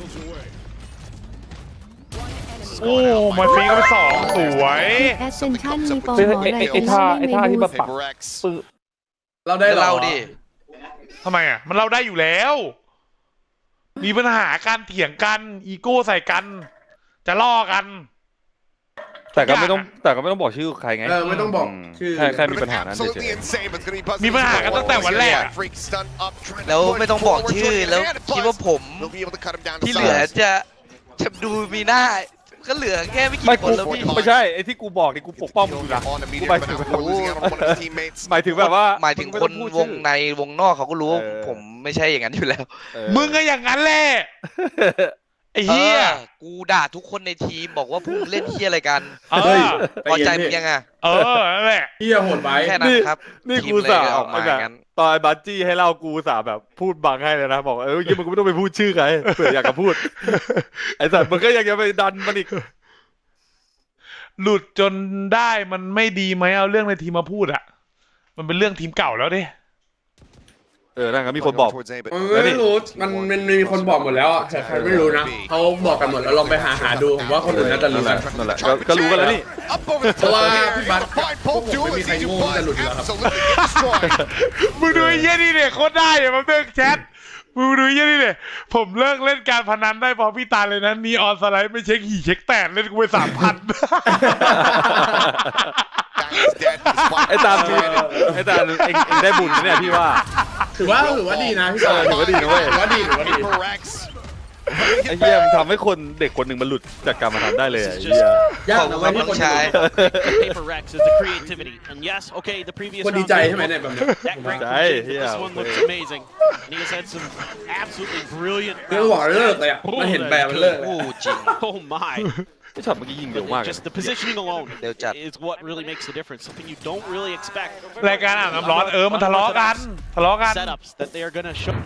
[SPEAKER 1] โอ้มาฟรีก็ไปสองสวย
[SPEAKER 9] แอสเซนชั่นมีโปร
[SPEAKER 7] เฮ้ย
[SPEAKER 9] โม
[SPEAKER 7] ไอ้
[SPEAKER 9] อะไร
[SPEAKER 7] ไอ้
[SPEAKER 9] เป็น
[SPEAKER 7] ท่า
[SPEAKER 9] เล่น
[SPEAKER 7] ไอ้
[SPEAKER 9] ใน
[SPEAKER 7] ท่าที่
[SPEAKER 9] บู
[SPEAKER 7] มา
[SPEAKER 9] ธ
[SPEAKER 7] ปัก
[SPEAKER 4] Paper X.
[SPEAKER 7] ปื้อ
[SPEAKER 2] เราได้เหรอ
[SPEAKER 3] เล่าดิ
[SPEAKER 1] ทำไมอ่ะ มันเล่าได้อยู่แล้ว มีปัญหาการเถียงกัน อีโก้ใส่กัน จะล่อกัน
[SPEAKER 7] แต่ก็ไม่ต้องแต่ก็ไม่ต้องบอกชื่อใครไง
[SPEAKER 2] เออไม่ต้องบอก
[SPEAKER 7] ม
[SPEAKER 2] ชื่อ
[SPEAKER 7] แค่แค่มี
[SPEAKER 4] But
[SPEAKER 7] ปัญหานั้นเฉ
[SPEAKER 4] absolutely
[SPEAKER 7] ย
[SPEAKER 4] insane, but it's gonna be buzzing
[SPEAKER 1] มีปัญหากันตั้งแต่วันแรก
[SPEAKER 4] Freak stun up, trying to
[SPEAKER 3] แล้ว
[SPEAKER 4] push
[SPEAKER 3] ไม่ต้องบอก
[SPEAKER 4] forward
[SPEAKER 3] ชื่อ
[SPEAKER 4] toward the
[SPEAKER 3] แล้ว
[SPEAKER 4] end,
[SPEAKER 3] คิดว่า
[SPEAKER 4] Buzz
[SPEAKER 3] ผม
[SPEAKER 4] will be able to cut him down to
[SPEAKER 3] ที่เหลือ
[SPEAKER 4] size.
[SPEAKER 3] จะจะดูมีหน้าก็เหลือแค่ไม่
[SPEAKER 7] ๆไม่
[SPEAKER 3] กี่ค
[SPEAKER 7] กู
[SPEAKER 3] นแล้วพี่
[SPEAKER 7] ไม่ใช่ไอ้ที่กูบอกนี่กูปกป้องมึงอยู่นะ
[SPEAKER 4] On the
[SPEAKER 7] กู
[SPEAKER 4] meteor,
[SPEAKER 7] หมาย
[SPEAKER 4] but
[SPEAKER 7] ถึง
[SPEAKER 4] now before losing out on one of his teammates.
[SPEAKER 7] หมายถึงแบบว่า
[SPEAKER 3] หมายถึง
[SPEAKER 7] มึ
[SPEAKER 3] คน
[SPEAKER 7] ไต้องพูด
[SPEAKER 3] ว
[SPEAKER 7] ชื่
[SPEAKER 3] ง
[SPEAKER 7] อ
[SPEAKER 3] ในวงนอกเขาก็รู้ว่า
[SPEAKER 7] เออ
[SPEAKER 3] ผมไม่ใช่อย่างนั้นอยู่แล้ว
[SPEAKER 7] เออ
[SPEAKER 1] มึงก็อย่างนั้นแหละ ไอ้เหี้ย
[SPEAKER 3] ออกูด่าทุกคนในทีมบอกว่าพวกมึงเล่นเฮียอะไรกัน
[SPEAKER 1] เอ
[SPEAKER 2] เฮ้ย
[SPEAKER 1] อ
[SPEAKER 3] พอใจมึงยังอ่ะ
[SPEAKER 1] เออ นั่นแหละ
[SPEAKER 2] เฮียโหดไป
[SPEAKER 3] แค่นั้นครับ
[SPEAKER 7] นี่
[SPEAKER 3] ทีม
[SPEAKER 7] กู
[SPEAKER 3] เลย
[SPEAKER 7] สา
[SPEAKER 3] ออกมา
[SPEAKER 7] แบ
[SPEAKER 3] อบ ย่างนั้น
[SPEAKER 7] ตอนบัตจี้ให้เล่ากูสาแบบพูดบังให้เลยนะ บอกเออยี่มึงก็ไม่ต้องไปพูดชื่อใครเผื่ออยากจะพูด ไอ้สัตว์มึงก็ยังจะไปดันมันอีก
[SPEAKER 1] หลุดจนได้มันไม่ดีไหมเอาเรื่องในทีมมาพูดอะมันเป็นเรื่องทีมเก่าแล้วดิ
[SPEAKER 7] เออนั่นก็มีคนบอก
[SPEAKER 4] Towards A, but
[SPEAKER 2] มันไม่รู้มันมันมีคนบอกหมดแล้วอ่ะแต่ใครไม่รู้นะเขาบอกกันหมดแล้วลองไปหาหาดูผมว่าคนอื่นน่าจะรู้
[SPEAKER 7] นั่นแห
[SPEAKER 2] กั
[SPEAKER 7] ละ
[SPEAKER 2] น
[SPEAKER 7] นั่นแหละก็ก็รู้กันแล้วนี่
[SPEAKER 4] Up over the
[SPEAKER 2] เพราะ
[SPEAKER 4] top
[SPEAKER 2] ว่า
[SPEAKER 4] of the
[SPEAKER 2] พี่
[SPEAKER 4] air,
[SPEAKER 2] บัส
[SPEAKER 4] able to find both
[SPEAKER 2] ผมไม่มี
[SPEAKER 4] duelists.
[SPEAKER 2] ใคร
[SPEAKER 4] Easy
[SPEAKER 2] โง่ที่จะหลุด
[SPEAKER 4] Buzz
[SPEAKER 2] อยู่แล้วครับ
[SPEAKER 4] absolutely get destroyed.
[SPEAKER 1] มึงดูไอ้เหี้ยนี่เนี่ยโคตรได้อะมันเลิกแชทมึงดูไอ้เหี้ยนี่เนี่ยผมเลิกเล่นการพนันได้เพราะพี่ตาเลยนะนีออนสไลด์ไม่เช็คหี่เช็คแตกเล่นกูไปสามพัน
[SPEAKER 4] That is dead despite
[SPEAKER 7] ไอ้ตาม
[SPEAKER 4] being dead.
[SPEAKER 7] ไอ้ตามเองเองได้บุญนะเนี่ยพี่ว่า
[SPEAKER 2] ถือว่าถือว่าดีนะพี่ตา
[SPEAKER 7] ถือว่าดีนะเว้ย
[SPEAKER 2] ถือว่าดีถือว่าดี
[SPEAKER 4] Paper X.
[SPEAKER 7] ไอ้เหี้ยมันทำให้คนเด็กคนหนึ่งมันหลุดจากการมาทำได้เลยอะไอ้เหี้ย
[SPEAKER 2] ยาก
[SPEAKER 3] ขอบ
[SPEAKER 2] นะ
[SPEAKER 3] คุณ
[SPEAKER 2] เว้ย
[SPEAKER 3] ครับ
[SPEAKER 2] ที่
[SPEAKER 3] น้
[SPEAKER 2] ค
[SPEAKER 3] อน ง
[SPEAKER 2] จะ
[SPEAKER 3] ชาย
[SPEAKER 6] The paper Rex is the creativity. And yes, okay, the previous
[SPEAKER 2] คนดี
[SPEAKER 6] round
[SPEAKER 2] ใจ
[SPEAKER 6] was
[SPEAKER 2] ใช่ไหมเนี่ยแบบเนี้ย
[SPEAKER 6] that great
[SPEAKER 7] ใช่
[SPEAKER 6] from Jing,
[SPEAKER 7] เหี้
[SPEAKER 6] but
[SPEAKER 7] ย
[SPEAKER 6] this one looks amazing. And he has had some absolutely brilliant
[SPEAKER 2] เรื่องบอก
[SPEAKER 6] rounds.
[SPEAKER 2] เลิกเลยอ่ะมันเห็นแบบมันเลิกเลย
[SPEAKER 3] โอ้
[SPEAKER 2] อะ
[SPEAKER 3] จริง
[SPEAKER 6] Oh my.
[SPEAKER 7] ไอ้ช็อตเมื่อกี้ยิงเร็ว
[SPEAKER 6] But
[SPEAKER 7] มาก
[SPEAKER 6] it-
[SPEAKER 7] เลย
[SPEAKER 6] just the positioning alone
[SPEAKER 3] They'll chat.
[SPEAKER 6] is what really makes the difference. Something you don't really expect.
[SPEAKER 1] รายการอ่านน้ำร้อนเออมันทะเลาะกันทะเลาะกัน
[SPEAKER 6] Setups that they are going to show.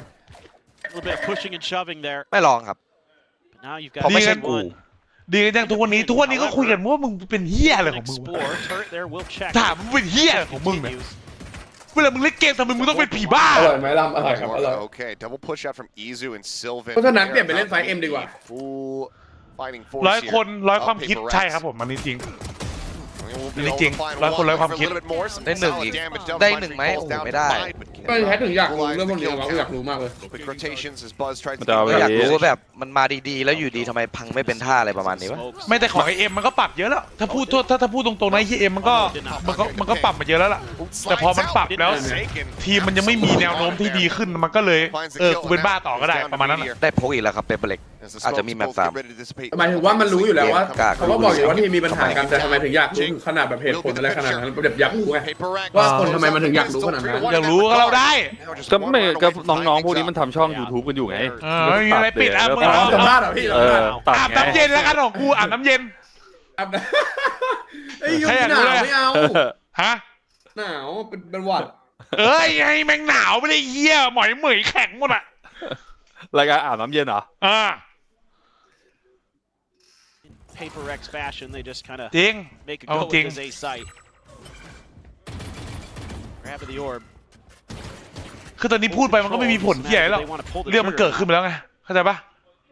[SPEAKER 6] A little bit of pushing and shoving there.
[SPEAKER 3] ไม่ลองครับ
[SPEAKER 6] But now you've
[SPEAKER 3] เพราะ
[SPEAKER 6] got
[SPEAKER 3] ไม่ใช่
[SPEAKER 6] T
[SPEAKER 3] กู
[SPEAKER 6] one.
[SPEAKER 1] ดีกันยังทุกวันนี้ทุกวันนี้ก็คุยกันว่ามึงเป็นเหี้ยอะไรของมึงวะ
[SPEAKER 6] Explore. Turret there will check.
[SPEAKER 1] ถามมึงเป็นเหี้ยอะไรของมึงเนี่ย
[SPEAKER 6] Continues.
[SPEAKER 1] เวลามึงเล่นเกมทำไมมึงต้องเป็นผีบ้า
[SPEAKER 2] อร่อยไหมลำอร่อยครับอร่อย
[SPEAKER 4] Okay, double push out from Izu and Sylvan.
[SPEAKER 2] เพราะฉะนั้นเปลี่ยนไปเล่นไฟเอ็มดีกว่า
[SPEAKER 4] Full fighting force
[SPEAKER 1] ร้อย
[SPEAKER 4] here.
[SPEAKER 1] คนร้อย
[SPEAKER 4] of
[SPEAKER 1] ความคิด
[SPEAKER 4] Paper Rex.
[SPEAKER 1] ใช่ครับผมมันนี่จริง
[SPEAKER 4] We'll be
[SPEAKER 1] จ
[SPEAKER 4] able
[SPEAKER 1] ริง
[SPEAKER 4] to find
[SPEAKER 1] ร้อยคน
[SPEAKER 4] one
[SPEAKER 1] ร้อยความ
[SPEAKER 4] for a
[SPEAKER 1] คิด
[SPEAKER 4] little bit more. Some
[SPEAKER 3] ได้หนึ่ง
[SPEAKER 4] solid
[SPEAKER 3] อีก
[SPEAKER 4] damage done.
[SPEAKER 3] ได้
[SPEAKER 4] Five
[SPEAKER 3] หนึ่ง
[SPEAKER 4] free
[SPEAKER 3] ไหม
[SPEAKER 4] falls
[SPEAKER 3] โอ้โห
[SPEAKER 4] down
[SPEAKER 3] ไม่
[SPEAKER 4] to
[SPEAKER 3] ได้
[SPEAKER 4] five, but can't
[SPEAKER 2] ก็แค่ถึงอยากรู้เรื่องพวกนี้ว่าอยากรู้มากเลย
[SPEAKER 4] quick rotations as Buzz tries to
[SPEAKER 7] มันจะเอา
[SPEAKER 4] keep
[SPEAKER 7] ไป
[SPEAKER 3] อยาก
[SPEAKER 4] it
[SPEAKER 3] รู้
[SPEAKER 4] up.
[SPEAKER 3] ว่าแบบมันมาดีๆ แล้วอยู่ดีทำไมพังไม่เป็นท่าอะไรประมาณนี้วะ
[SPEAKER 6] Smokes.
[SPEAKER 1] ไม่แต่ของไอเอ็มมันก็ปรับเยอะแล้ว ถ้าพูดถ้าถ้าพูดตรงๆนะไอเอ็มมันก็มันก็มันก็ปรับมาเยอะแล้วล่ะ แต่พอมันปรับแล้ว
[SPEAKER 4] Forsaken.
[SPEAKER 1] ทีมมันยังไม่มีแนวโน้มที่ดีขึ้นมันก็เลยเออกูเป็นบ้าต่อก็ได้ประมาณนั้นน่ะ
[SPEAKER 3] ได้พกอีกแล้วครับเปเปอร์เล็ก
[SPEAKER 4] As the
[SPEAKER 3] อาจจะมี
[SPEAKER 4] smokes
[SPEAKER 3] แมป
[SPEAKER 4] both
[SPEAKER 3] สาม
[SPEAKER 4] get ready to dissipate.
[SPEAKER 2] หมายถึงว่ามันรู้อยู่แล้วว่า
[SPEAKER 3] กาก
[SPEAKER 2] เขาก็บอกอยู่ว่าที่มีปัญหากันแต่ทำไมถึงอยากรู้ถึงขนาดแบบเหตุผลอะไรขนาดนั้นแบบอยากรู้ไง
[SPEAKER 4] Paper Rex.
[SPEAKER 2] ว่าคนทำไมมันถึงอยากรู้ขนาดนั้น
[SPEAKER 1] อยากรู้ก็เราได้
[SPEAKER 4] Now just
[SPEAKER 7] ก็
[SPEAKER 4] one
[SPEAKER 7] ไม่
[SPEAKER 4] round
[SPEAKER 7] ก็
[SPEAKER 4] away from
[SPEAKER 7] น้อง
[SPEAKER 4] tying
[SPEAKER 7] ๆพวก
[SPEAKER 4] things
[SPEAKER 7] นี้
[SPEAKER 4] up.
[SPEAKER 7] มันทำช่อง YouTube กันอยู่ไง
[SPEAKER 1] เออไม่มีอะไรปิดอ่ะมึง
[SPEAKER 7] แล้ว
[SPEAKER 1] เอา
[SPEAKER 2] สัมภาษณ์เหรอพี่
[SPEAKER 7] เออตัด
[SPEAKER 1] อาบ
[SPEAKER 7] ไง
[SPEAKER 1] น้ำเย็นแล้วกันของกูอาบน้ำเย็น
[SPEAKER 2] อาบน้ำไอ้ยยุค
[SPEAKER 1] ให้อยาก
[SPEAKER 2] ห
[SPEAKER 1] รู้
[SPEAKER 2] นาว
[SPEAKER 1] เลย
[SPEAKER 2] ไม่เอา
[SPEAKER 1] ฮะ
[SPEAKER 2] หนาวเป็นเป็นหวัด
[SPEAKER 1] เอ้ยไอ้แมงหนาวไม่ได้เหี้ยหมอยเหมยแข็งหมดอ่ะ
[SPEAKER 7] รายการอาบน้ำเย็นเหรอ
[SPEAKER 1] อ่า
[SPEAKER 6] Paper Rex fashion, they just kind of
[SPEAKER 1] จริง
[SPEAKER 6] make a
[SPEAKER 1] Oh,
[SPEAKER 6] go with
[SPEAKER 1] ding.
[SPEAKER 6] this A site. grab of the orb.
[SPEAKER 1] คือตอนนี้พูดไปมันก็ไม่มีผลเหี้ยอะไรหรอกเรื่องมันเกิดขึ้นไปแล้วไงเข้าใจปะ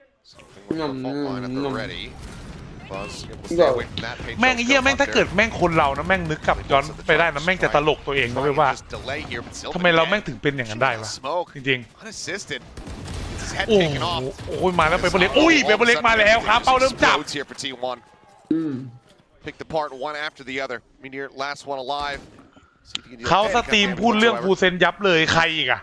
[SPEAKER 1] แม่งไอ้เหี้ยแม่งถ้าเกิดแม่งคนเรานะแม่งนึกกลับย้อนไปได้นะแม่งจะตลกตัวเองนะเว้ยว่าทำไมเราแม่งถึงเป็นอย่างนั้นได้วะจริงๆโอ้โหโอ้ยมาแล้วเปเปอร์เล็กอุ้ยเปเปอร์เล็กมาแล้วครับเป้าเริ่มจับ
[SPEAKER 4] Picked apart one after the other. Meteor, last one alive.
[SPEAKER 1] เขาสตรีมพูดเรื่องฟูเซนยับเลยใครอีกอะ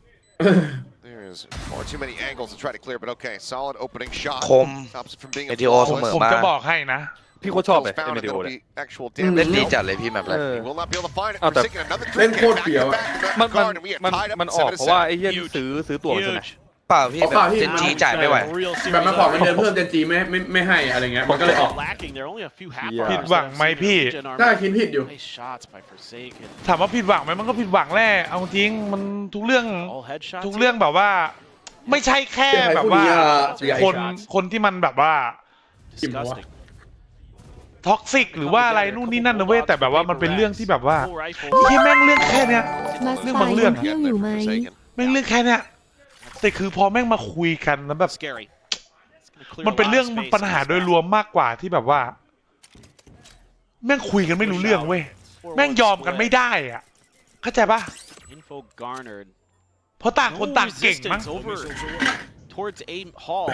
[SPEAKER 4] There's far too many angles to try to clear, but okay, solid opening shot.
[SPEAKER 3] คม
[SPEAKER 4] Stops it from being
[SPEAKER 3] เอ
[SPEAKER 4] a
[SPEAKER 3] ทีโอเสมอ
[SPEAKER 1] ผม
[SPEAKER 3] มา
[SPEAKER 1] จะบอกให้นะ
[SPEAKER 7] พี่โคตรชอบเลย
[SPEAKER 4] Found
[SPEAKER 7] เอ็ม
[SPEAKER 4] it,
[SPEAKER 7] ดีโอ
[SPEAKER 4] that'll
[SPEAKER 7] เนี่ย
[SPEAKER 4] be actual
[SPEAKER 3] เล่น
[SPEAKER 4] damage.
[SPEAKER 3] ดีจัดเลยพี่แบบเลย
[SPEAKER 7] เออ
[SPEAKER 4] He will not be able to find it.
[SPEAKER 7] Oh,
[SPEAKER 4] Forsaken another
[SPEAKER 2] เล่น
[SPEAKER 4] trick
[SPEAKER 2] โคตร
[SPEAKER 4] back
[SPEAKER 2] เฟี้ยว
[SPEAKER 4] to
[SPEAKER 2] อะ
[SPEAKER 4] back.
[SPEAKER 7] มันมัน
[SPEAKER 4] Guard, and we are
[SPEAKER 7] มัน
[SPEAKER 4] tied up
[SPEAKER 7] มัน
[SPEAKER 4] at
[SPEAKER 7] ออก
[SPEAKER 4] seven
[SPEAKER 7] เพราะว่า
[SPEAKER 4] seven.
[SPEAKER 7] ไอ้เหี้ยนี่ซื้อซื้อตั๋วใช่ไหม
[SPEAKER 6] Huge.
[SPEAKER 3] เปล่าพี่แบบเจนจีจ่ายไม่ไหว
[SPEAKER 6] Real
[SPEAKER 2] แบบ
[SPEAKER 6] serious
[SPEAKER 2] มาขอเงินเดือน
[SPEAKER 6] armor.
[SPEAKER 2] เพิ่มเจนจีไม่ไม่ไม่ให้อะไรเงี้ยมันก็เลยออก
[SPEAKER 6] Lacking. There are only a few half
[SPEAKER 7] Yeah.
[SPEAKER 6] armors
[SPEAKER 1] ผิดหวังไหมพี่
[SPEAKER 6] Gen armor.
[SPEAKER 2] น่าคิดผิดอยู่
[SPEAKER 6] Nice shots by Forsaken.
[SPEAKER 1] ถามว่าผิดหวังไหมมันก็ผิดหวังแหละเอาจริงมันทุกเรื่อง
[SPEAKER 6] All headshots.
[SPEAKER 1] ทุกเรื่องแบบว่า ไม่ใช่แค่แบบว่า คนคนที่มันแบบว่า
[SPEAKER 6] Disgusting.
[SPEAKER 1] ท็อกซิกหรือว่าอะไรนู่นนี่นั่นนะเว้ยแต่แบบว่ามันเป็นเรื่องที่แบบว่า
[SPEAKER 6] Full rifle.
[SPEAKER 1] ที่แม่งเรื่องแค่เนี้ย
[SPEAKER 9] มาส
[SPEAKER 1] เรื่อง
[SPEAKER 9] ไต
[SPEAKER 1] บาง
[SPEAKER 9] ล์
[SPEAKER 1] เรื่
[SPEAKER 9] ยั
[SPEAKER 1] อง
[SPEAKER 9] งเที่ยวอยู่ไหม
[SPEAKER 1] แม่งเรื่องแค่เนี้ยแต่คือพอแม่งมาคุยกันแล้วแบบ
[SPEAKER 6] Scary. It's gonna clear
[SPEAKER 1] มันเป็น
[SPEAKER 6] a lot
[SPEAKER 1] เรื่อง
[SPEAKER 6] of space
[SPEAKER 1] ปัญหา
[SPEAKER 6] in this
[SPEAKER 1] โดย
[SPEAKER 6] map.
[SPEAKER 1] รวมมากกว่าที่แบบว่า แม่งคุยกันไม่รู้เรื่องเว้ยแม่งยอมกันไม่ได้อ่ะเข้าใจปะ
[SPEAKER 6] Info garnered.
[SPEAKER 1] เพราะต่างคน
[SPEAKER 6] No
[SPEAKER 1] ต่างเก่งมั้ง
[SPEAKER 6] resistance over towards aim hall.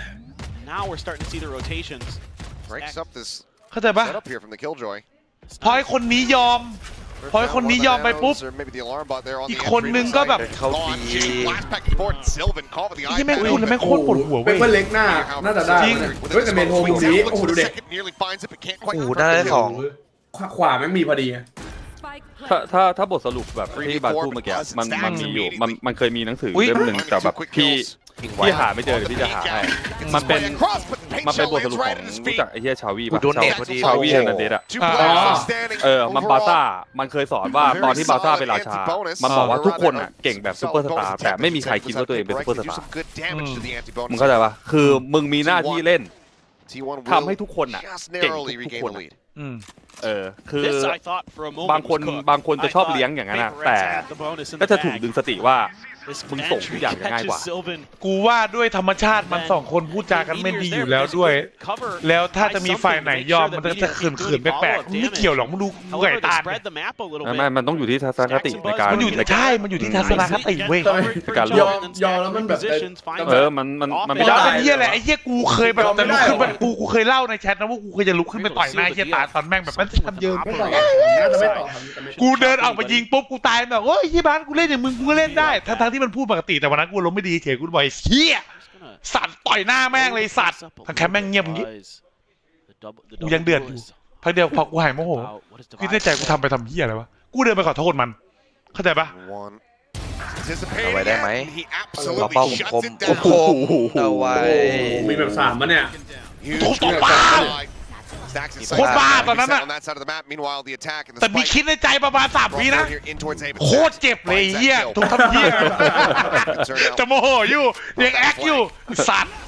[SPEAKER 6] Now we're starting to see the rotations.
[SPEAKER 4] Breaks up this
[SPEAKER 1] เข้าใจปะ
[SPEAKER 4] setup here from the Killjoy.
[SPEAKER 1] พอไอ้คนนี้ยอม พอไอ้คนนี้ยอมไปปุ๊บ
[SPEAKER 4] Or maybe the alarm bot there on
[SPEAKER 1] อี
[SPEAKER 4] the
[SPEAKER 1] กคนนึงก็แบบ
[SPEAKER 3] เข้า
[SPEAKER 4] Gone.
[SPEAKER 3] ดี
[SPEAKER 4] Jimmy blast back and forth. Sylvan caught with the
[SPEAKER 1] ที่แม่ง
[SPEAKER 4] iPad.
[SPEAKER 1] พูดแล้วแม่งโคตรปวดหัว
[SPEAKER 2] เป
[SPEAKER 1] เว้ย
[SPEAKER 2] เปอร์เล็กหน้าน่าจะได้
[SPEAKER 1] จริง
[SPEAKER 2] เฮ้ยแต่เมนโฮมุมนี้โอ้โหดูดิ
[SPEAKER 4] Nearly finds it, but can't quite
[SPEAKER 3] โอ้โห
[SPEAKER 4] confirm
[SPEAKER 3] ได้
[SPEAKER 4] the
[SPEAKER 3] ส
[SPEAKER 4] kill.
[SPEAKER 3] อง
[SPEAKER 2] ขวาขวาแม่งมีพอดี
[SPEAKER 7] ถ้าถ้าถ้าบทสรุปแบบที่บาร์พูดเมื่อกี้มันมันมีอยู่มันมันเคยมีหนังสือเล่มหนึ่งแต่แบบพี่พี่หาไม่เจอเดี๋ยวพี่จะหาให้มันเป็นมันเป็นบทสรุปของรู้จักไอ้เหี้ยชาวีป่ะ
[SPEAKER 3] โดนเน็ตพอดี
[SPEAKER 7] ชาวีเฮนนันเดสอะ
[SPEAKER 4] Two
[SPEAKER 1] อ่า
[SPEAKER 4] players are standing
[SPEAKER 7] เออมันบาซ่า
[SPEAKER 4] overall.
[SPEAKER 7] มันเคยสอนว่าตอนที่บาซ่าเป็นราชา มันบอกว่าทุกคนอ่ะเก่งแบบซูเปอร์สตาร์แต่ไม่มีใครคิดว่าตัวเองเป็นซูเปอร์สตาร์
[SPEAKER 4] Good damage to the anti-bonus.
[SPEAKER 7] มึงเข้าใจปะคือมึงมีหน้าที่เล่น
[SPEAKER 4] T one
[SPEAKER 7] ทำให้ทุกคนน่ะ
[SPEAKER 4] just
[SPEAKER 7] เก่ง
[SPEAKER 4] narrowly
[SPEAKER 7] ทุก
[SPEAKER 4] regain
[SPEAKER 7] คน
[SPEAKER 4] the lead.
[SPEAKER 1] อืม
[SPEAKER 7] เออคือ
[SPEAKER 6] This I thought for a moment
[SPEAKER 7] บางคน
[SPEAKER 6] was cooked.
[SPEAKER 7] บางคนจะชอบ
[SPEAKER 6] I
[SPEAKER 7] เลี้ยง
[SPEAKER 6] thought
[SPEAKER 7] อย่างนั้นอะ
[SPEAKER 6] Vaporwreck
[SPEAKER 7] แต่
[SPEAKER 6] had the bonus in
[SPEAKER 7] ก็
[SPEAKER 6] the
[SPEAKER 7] จะถูก
[SPEAKER 6] bag.
[SPEAKER 7] ดึงสติว่า
[SPEAKER 6] This
[SPEAKER 7] มึงส่งทุกอย่าง
[SPEAKER 6] entry
[SPEAKER 7] ง่ายกว่า
[SPEAKER 6] catches Sylvan.
[SPEAKER 1] กูว่าด้วยธรรมชาติมันสองคนพูดจากันไม่ดีอยู่แล้วด้วย แล้วถ้าจะมีฝ่ายไหนยอมมันก็จะเขินๆแปลกๆไม่เกี่ยวหรอกมึงดูไก่
[SPEAKER 6] However,
[SPEAKER 1] ตา
[SPEAKER 6] they
[SPEAKER 1] ล
[SPEAKER 6] spread the map a little
[SPEAKER 7] ไม่
[SPEAKER 6] bit.
[SPEAKER 7] ไม่มันต้องอยู่ที่ทัศนคติในการ
[SPEAKER 1] มันอยู่
[SPEAKER 7] ในการ
[SPEAKER 1] ใช่มันอยู่ที่ทัศนคติเว้ย
[SPEAKER 7] การ
[SPEAKER 2] ยอมยอมแล้วมันแบบ
[SPEAKER 7] เออมันมันมันไม่
[SPEAKER 1] ยอ
[SPEAKER 7] ได้
[SPEAKER 1] มเป็นเหี้ยอะไรไอ้เหี้ยกูเคยแบบจะลุกขึ้นมากูกูเคยเล่าในแชทนะว่ากูเคยจะลุกขึ้นไปต่อยหน้าไอ้เหี้ยตาตอนแม่งแบบมันทำเยอะ
[SPEAKER 2] ไม่ต่อน่าจะไม่ต่อครับแต่ไม่
[SPEAKER 1] กูเดินออกมายิงปุ๊บกูตายแบบโอ้ยยี่บ้านกูเล่นอย่างมึงกูก็เล่นได้ทั้งทั้งที่มันพูดปกติแต่วันนั้นกูล้มไม่ดีเฉยกูบอกไอ้เหี้ยสัตว์ต่อยหน้าแม่งเลยสัตว์ทั้งแคมป์แม่งเงียบอย่างงี้กูยังเดือดอยู่พักเดียวพอกูหายโมโหคิดในใจกูทำไปทำเหี้ยอะไรวะกูเดินไปขอโทษมันเข้าใจปะ
[SPEAKER 4] One.
[SPEAKER 3] เอาไว้ได้ไหม
[SPEAKER 4] He
[SPEAKER 3] เราเป้า
[SPEAKER 4] absolutely
[SPEAKER 3] คม
[SPEAKER 4] shuts it
[SPEAKER 3] คม
[SPEAKER 4] down.
[SPEAKER 3] คมเอาไว้
[SPEAKER 2] มีแบบสามมันเนี่ย
[SPEAKER 4] Huge
[SPEAKER 1] โอ้โหตบ
[SPEAKER 4] damage
[SPEAKER 1] บ้า
[SPEAKER 4] applied. Stacks and
[SPEAKER 1] โคตรบ้า
[SPEAKER 4] sights
[SPEAKER 1] ตอนนั้น
[SPEAKER 4] set
[SPEAKER 1] อะ
[SPEAKER 4] on that side of the map. Meanwhile, the attack and the
[SPEAKER 1] แต่มี
[SPEAKER 4] spike
[SPEAKER 1] คิดในใจประมาณสามวิ
[SPEAKER 4] brought
[SPEAKER 1] นะ
[SPEAKER 4] down here in towards A, but
[SPEAKER 1] โคตร
[SPEAKER 4] Stacks
[SPEAKER 1] เจ็บเลย
[SPEAKER 4] finds that
[SPEAKER 1] เหี้ย
[SPEAKER 4] kill.
[SPEAKER 1] ถูกทำเหี้ย
[SPEAKER 4] Turn out
[SPEAKER 1] จะโมโหอยู่ยังแอคอยู่สัตว์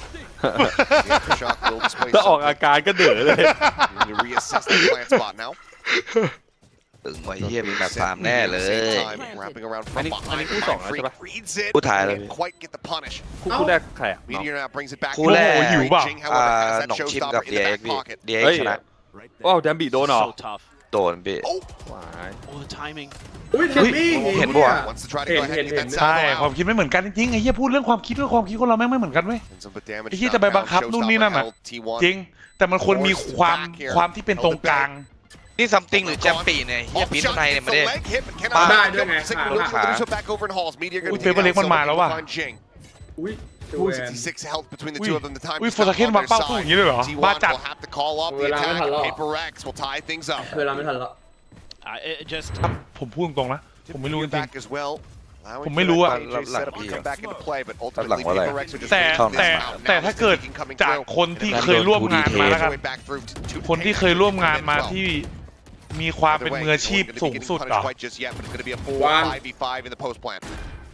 [SPEAKER 4] the Aftershock will display
[SPEAKER 7] ถ้าออก
[SPEAKER 4] something.
[SPEAKER 7] อาการก็เดือดเลย
[SPEAKER 4] Need to reassess the plant spot now.
[SPEAKER 3] ตึงไว้เฮียมีแบบสามแน่เลย
[SPEAKER 4] Same time, wrapping around from
[SPEAKER 7] อันนี้อันนี้
[SPEAKER 4] behind.
[SPEAKER 7] คู่สอง
[SPEAKER 4] Mind
[SPEAKER 7] แล้วใช่
[SPEAKER 4] Freak
[SPEAKER 7] ปะ
[SPEAKER 4] reads it.
[SPEAKER 3] คู่ท้ายเลย
[SPEAKER 4] Didn't quite get the punish.
[SPEAKER 7] คู่คู่แรกใครอ่ะ
[SPEAKER 4] Meteor now brings it back.
[SPEAKER 3] คู่แรก
[SPEAKER 1] โอ้โหหิวเปล่า
[SPEAKER 4] Jing,
[SPEAKER 3] อ่า
[SPEAKER 4] however, has
[SPEAKER 3] หน
[SPEAKER 4] that
[SPEAKER 3] องชิมกับ
[SPEAKER 4] showstopper in
[SPEAKER 3] ดี
[SPEAKER 4] the
[SPEAKER 3] เอ็ก
[SPEAKER 4] back
[SPEAKER 3] พี่
[SPEAKER 4] pocket.
[SPEAKER 3] ดีเอ็ก
[SPEAKER 7] เฮ้ย
[SPEAKER 3] ชนะ
[SPEAKER 7] ว้าวแดมบีโดนเหรอ
[SPEAKER 6] So tough.
[SPEAKER 3] โดนพี่
[SPEAKER 7] ว้าย
[SPEAKER 6] Oh, the timing.
[SPEAKER 2] อุ้ยเทนนี่
[SPEAKER 3] เห็นปะวะ
[SPEAKER 4] Wants to try to go
[SPEAKER 2] Hit,
[SPEAKER 4] ahead and
[SPEAKER 2] hit,
[SPEAKER 4] get that
[SPEAKER 2] hit.
[SPEAKER 1] ใช่
[SPEAKER 4] salvo
[SPEAKER 1] ความ
[SPEAKER 4] out.
[SPEAKER 1] คิดไม่เหมือนกันจริงๆไอ้เหี้ยพูดเรื่องความคิดเรื่องความคิดคนเราแม่งไม่เหมือนกันเว้ย
[SPEAKER 4] And some damage
[SPEAKER 1] ไอ้เหี้ยจะไปบังคับ
[SPEAKER 4] knocked
[SPEAKER 1] นู่น
[SPEAKER 4] down.
[SPEAKER 1] นี่นั่น
[SPEAKER 4] Showstopper
[SPEAKER 1] อ่ะ
[SPEAKER 4] held T one.
[SPEAKER 1] จริง แต่มันควรมีความความที่เป็นตรงกลาง
[SPEAKER 3] นี่ซัมติงหรือแจมปีเนี่ยเฮีย
[SPEAKER 4] Off
[SPEAKER 3] ปีน
[SPEAKER 4] shot
[SPEAKER 3] ในเนี่ย
[SPEAKER 4] gets
[SPEAKER 3] ไม่
[SPEAKER 4] the
[SPEAKER 3] ได้
[SPEAKER 4] leg hit, but cannot
[SPEAKER 3] ปา
[SPEAKER 2] ได้
[SPEAKER 4] get
[SPEAKER 2] ด้วยไง
[SPEAKER 4] the signal.
[SPEAKER 2] ขา
[SPEAKER 4] Looks like they're just back over in Halls. Meteor
[SPEAKER 1] อุ้ย
[SPEAKER 4] gonna
[SPEAKER 1] เปเปอร์เล็ก
[SPEAKER 4] take
[SPEAKER 1] มันมา
[SPEAKER 4] out
[SPEAKER 1] แล้ว
[SPEAKER 4] Silver
[SPEAKER 1] ว่ะ
[SPEAKER 4] to find Jing.
[SPEAKER 2] อุ้ย
[SPEAKER 4] Ooh, sixty-six health between the
[SPEAKER 1] อุ้ย
[SPEAKER 4] two of them. The time
[SPEAKER 1] อุ้ย
[SPEAKER 4] is
[SPEAKER 1] โฟร์สเคนวางเป้าสู้อย่างนี้เลยเหรอ
[SPEAKER 4] T
[SPEAKER 1] บ้า
[SPEAKER 4] one
[SPEAKER 1] จัด
[SPEAKER 4] will have to call off the
[SPEAKER 2] เวลาไม่
[SPEAKER 4] attack.
[SPEAKER 2] ทันหรอก
[SPEAKER 4] Paper Rex will tie things up.
[SPEAKER 2] เวลาไม่ทันแล้ว
[SPEAKER 6] Uh, it just
[SPEAKER 1] ผมพูดตรงๆนะผมไม่รู้จริง
[SPEAKER 4] Back as well. Allowing
[SPEAKER 1] ผมไม่รู้อะ
[SPEAKER 4] for that J setup to come back into play, but ultimately
[SPEAKER 3] หลังว่าอะไร
[SPEAKER 4] Paper Rex are just
[SPEAKER 1] แต่
[SPEAKER 4] waiting
[SPEAKER 1] แต่
[SPEAKER 4] this out.
[SPEAKER 1] แต่
[SPEAKER 4] Now
[SPEAKER 1] ถ้า
[SPEAKER 4] is
[SPEAKER 1] เกิด
[SPEAKER 4] Deacon coming
[SPEAKER 1] จาก
[SPEAKER 4] through.
[SPEAKER 1] คนที่เคยร่วมงานมาแล้วกัน
[SPEAKER 4] Way back through to- to
[SPEAKER 1] คนที่เคยร่วมงานมาที่มีความเป็นมืออาชีพสูงสุดเหรอ
[SPEAKER 4] Quite just yet, but it's going to be a full
[SPEAKER 2] One.
[SPEAKER 4] five v five in the post plant.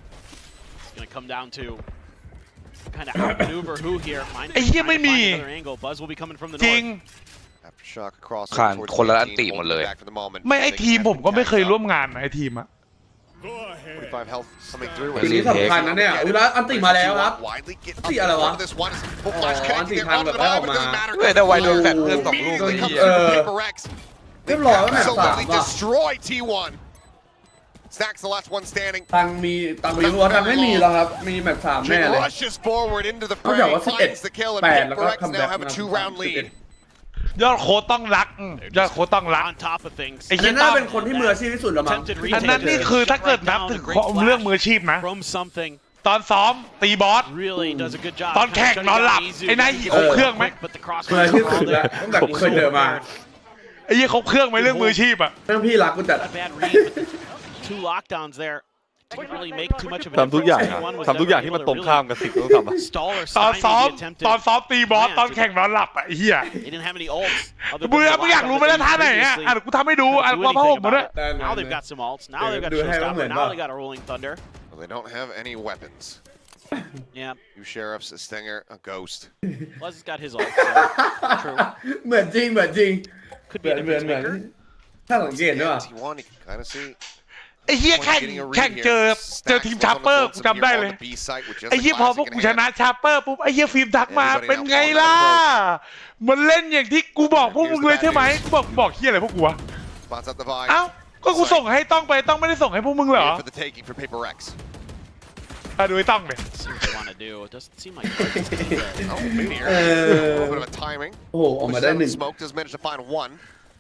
[SPEAKER 6] it's going to come down to kind of outmaneuver who here. Find,
[SPEAKER 1] ไอ้เหี้ย
[SPEAKER 6] trying to
[SPEAKER 1] ไม่มี
[SPEAKER 6] find another angle. Buzz will be coming from the
[SPEAKER 1] จริง
[SPEAKER 6] north.
[SPEAKER 4] Aftershock across
[SPEAKER 3] ขาด
[SPEAKER 4] towards
[SPEAKER 3] คนละ
[SPEAKER 4] the
[SPEAKER 3] อันติ
[SPEAKER 4] team,
[SPEAKER 3] หมดเลย
[SPEAKER 4] holding back for the moment.
[SPEAKER 1] ไม่ไอ
[SPEAKER 4] Making
[SPEAKER 1] ทีม
[SPEAKER 4] that
[SPEAKER 1] ผมก็ไม่เคย
[SPEAKER 4] tag
[SPEAKER 1] ร่ว
[SPEAKER 4] up.
[SPEAKER 1] มงานนะไอทีมอะ
[SPEAKER 4] forty-five health coming through.
[SPEAKER 2] ทีนี้สำคัญนะเนี่ยอุ้ยแล้วอันติมาแล้วครับ
[SPEAKER 4] Widely get
[SPEAKER 2] อันติอะไรวะ
[SPEAKER 4] this one. Full flash connecting
[SPEAKER 2] อันติ
[SPEAKER 4] there
[SPEAKER 2] ทาง
[SPEAKER 4] onto
[SPEAKER 2] แบบ
[SPEAKER 4] the
[SPEAKER 2] ได้อ
[SPEAKER 4] dive,
[SPEAKER 2] อก
[SPEAKER 4] but it
[SPEAKER 2] มา
[SPEAKER 4] doesn't matter.
[SPEAKER 3] เว้ยแต่ไวโดนแฟนเพิ่มสองลูก
[SPEAKER 4] Immediately
[SPEAKER 3] เลย
[SPEAKER 4] comes
[SPEAKER 3] เหี้ย
[SPEAKER 4] through Paper Rex.
[SPEAKER 2] เรียบร้อยแล้วแมตช์สาม
[SPEAKER 4] Absolutely
[SPEAKER 2] ว่ะ
[SPEAKER 4] destroy T one. Snacks the last one standing.
[SPEAKER 2] ตังมีตังมีรัวตังไม่มีแล้วครับมีแมตช์สามแน่
[SPEAKER 4] Jing
[SPEAKER 2] เลย
[SPEAKER 4] rushes forward into the
[SPEAKER 2] เขา
[SPEAKER 4] fray,
[SPEAKER 2] บอกว่าสิบเอ็ด
[SPEAKER 4] finds the kill, and
[SPEAKER 2] แปดแล้ว
[SPEAKER 4] Paper
[SPEAKER 2] ก็
[SPEAKER 4] Rex
[SPEAKER 2] คัม
[SPEAKER 4] now
[SPEAKER 2] แบ็ก
[SPEAKER 4] have a two round lead.
[SPEAKER 1] ยอดโค้ดต้องรักอืมยอดโค้ดต้องรัก
[SPEAKER 6] On top of things.
[SPEAKER 1] ไอ้
[SPEAKER 2] อั
[SPEAKER 1] เหี้ย
[SPEAKER 2] นน่าเป็นคนที่มืออาชีพที่สุดแล้วมั้ง
[SPEAKER 6] Attempted
[SPEAKER 1] อันนั้น
[SPEAKER 6] retake.
[SPEAKER 1] นี่คือถ้าเกิดนับถึงเรื่องมืออาชีพนะ
[SPEAKER 6] From something
[SPEAKER 1] ตอนซ้อมตีบอส
[SPEAKER 6] really does a good job.
[SPEAKER 1] ตอนแข่ง
[SPEAKER 6] Shutting
[SPEAKER 1] นอนหลับ
[SPEAKER 6] down Izu.
[SPEAKER 1] ไอ้นายหยิบครบเครื่องไหม
[SPEAKER 6] But the cross
[SPEAKER 2] มืออาชีพสุดแล้วตั้งแต่กูเคยเจอมา
[SPEAKER 1] ไอ้เหี้ยครบเครื่องไหมเรื่องมืออาชีพอ่ะ
[SPEAKER 2] เรื่องพี่รักกูจัด
[SPEAKER 6] Not a bad read, but two lockdowns there. Didn't really make too much of a
[SPEAKER 7] ทำทุกอย่าง
[SPEAKER 6] difference.
[SPEAKER 7] อะ
[SPEAKER 6] Anyone was
[SPEAKER 7] ทำทุกอย่าง
[SPEAKER 6] ever
[SPEAKER 7] ที่มัน
[SPEAKER 6] able
[SPEAKER 7] ต
[SPEAKER 6] to
[SPEAKER 7] รงข้าม
[SPEAKER 6] really
[SPEAKER 7] กับสิ่งที่ต้องทำอะ
[SPEAKER 6] stall or
[SPEAKER 1] ตอน
[SPEAKER 6] stymie
[SPEAKER 1] ซ้อม
[SPEAKER 6] the attempted
[SPEAKER 1] ตอนซ้อมตีบอส
[SPEAKER 6] plan
[SPEAKER 1] ตอน
[SPEAKER 6] to-
[SPEAKER 1] แข่งนอนหลับอ่ะไอ้เหี้ย
[SPEAKER 6] They didn't have any ults. other
[SPEAKER 1] มึง
[SPEAKER 6] than
[SPEAKER 1] อะ
[SPEAKER 6] the
[SPEAKER 1] มึงอยาก
[SPEAKER 6] lockdown
[SPEAKER 1] รู้ไหม
[SPEAKER 6] that
[SPEAKER 1] ล่ะ
[SPEAKER 6] they
[SPEAKER 1] ท่าไหน
[SPEAKER 6] used
[SPEAKER 1] อ่ะ
[SPEAKER 6] previously.
[SPEAKER 1] อ่ะกูทำให้ดูอ่ะ
[SPEAKER 6] Couldn't
[SPEAKER 1] กู
[SPEAKER 6] do
[SPEAKER 1] เอาผ้าห่ม
[SPEAKER 6] anything
[SPEAKER 1] มาด้วย
[SPEAKER 6] about it. Now they've got some ults. Now they've got
[SPEAKER 2] Do have
[SPEAKER 6] Showstopper.
[SPEAKER 2] them,
[SPEAKER 6] Now
[SPEAKER 2] but-
[SPEAKER 6] they got a Rolling Thunder.
[SPEAKER 4] Well, they don't have any weapons.
[SPEAKER 6] Yeah,
[SPEAKER 4] Two sheriffs, a stinger, a ghost.
[SPEAKER 6] Luz has got his ult. So true.
[SPEAKER 2] เหมือนจริงเหมือนจริง
[SPEAKER 6] Could
[SPEAKER 2] เหมื
[SPEAKER 6] be
[SPEAKER 2] อน
[SPEAKER 6] a
[SPEAKER 2] เหมือนเหมือน
[SPEAKER 6] difference maker.
[SPEAKER 2] ถ้าสังเกตด้วย
[SPEAKER 4] T one, you can kind of see.
[SPEAKER 1] ไอ้เหี้ยแข่งแข่งเจอเจอทีมชาร์เปอร์กูจำได้เลย ไอ้เหี้ยพอพวกกูชนะชาร์เปอร์ปุ๊บไอ้เหี้ยฟิล์มทักมาเป็นไงล่ะมันเล่นอย่างที่กูบอกพวกมึงเลยใช่ไหมกูบอกบอกเหี้ยอะไรพวกกูวะ
[SPEAKER 4] Spots up the vibe.
[SPEAKER 1] เอ้าก็กูส่งให้ต้องไปต้องไม่ได้ส่งให้พวกมึงเหรอ
[SPEAKER 4] For the taking for Paper Rex.
[SPEAKER 1] อ่ะดูไอ้ต้องเลย
[SPEAKER 6] See what they want to do. It doesn't seem like Darkness can do that.
[SPEAKER 4] Oh, Meteor.
[SPEAKER 2] Uh,
[SPEAKER 4] A little bit of a timing.
[SPEAKER 2] โอ้โหออกมาได้หนึ่ง
[SPEAKER 4] Smoke does manage to find one.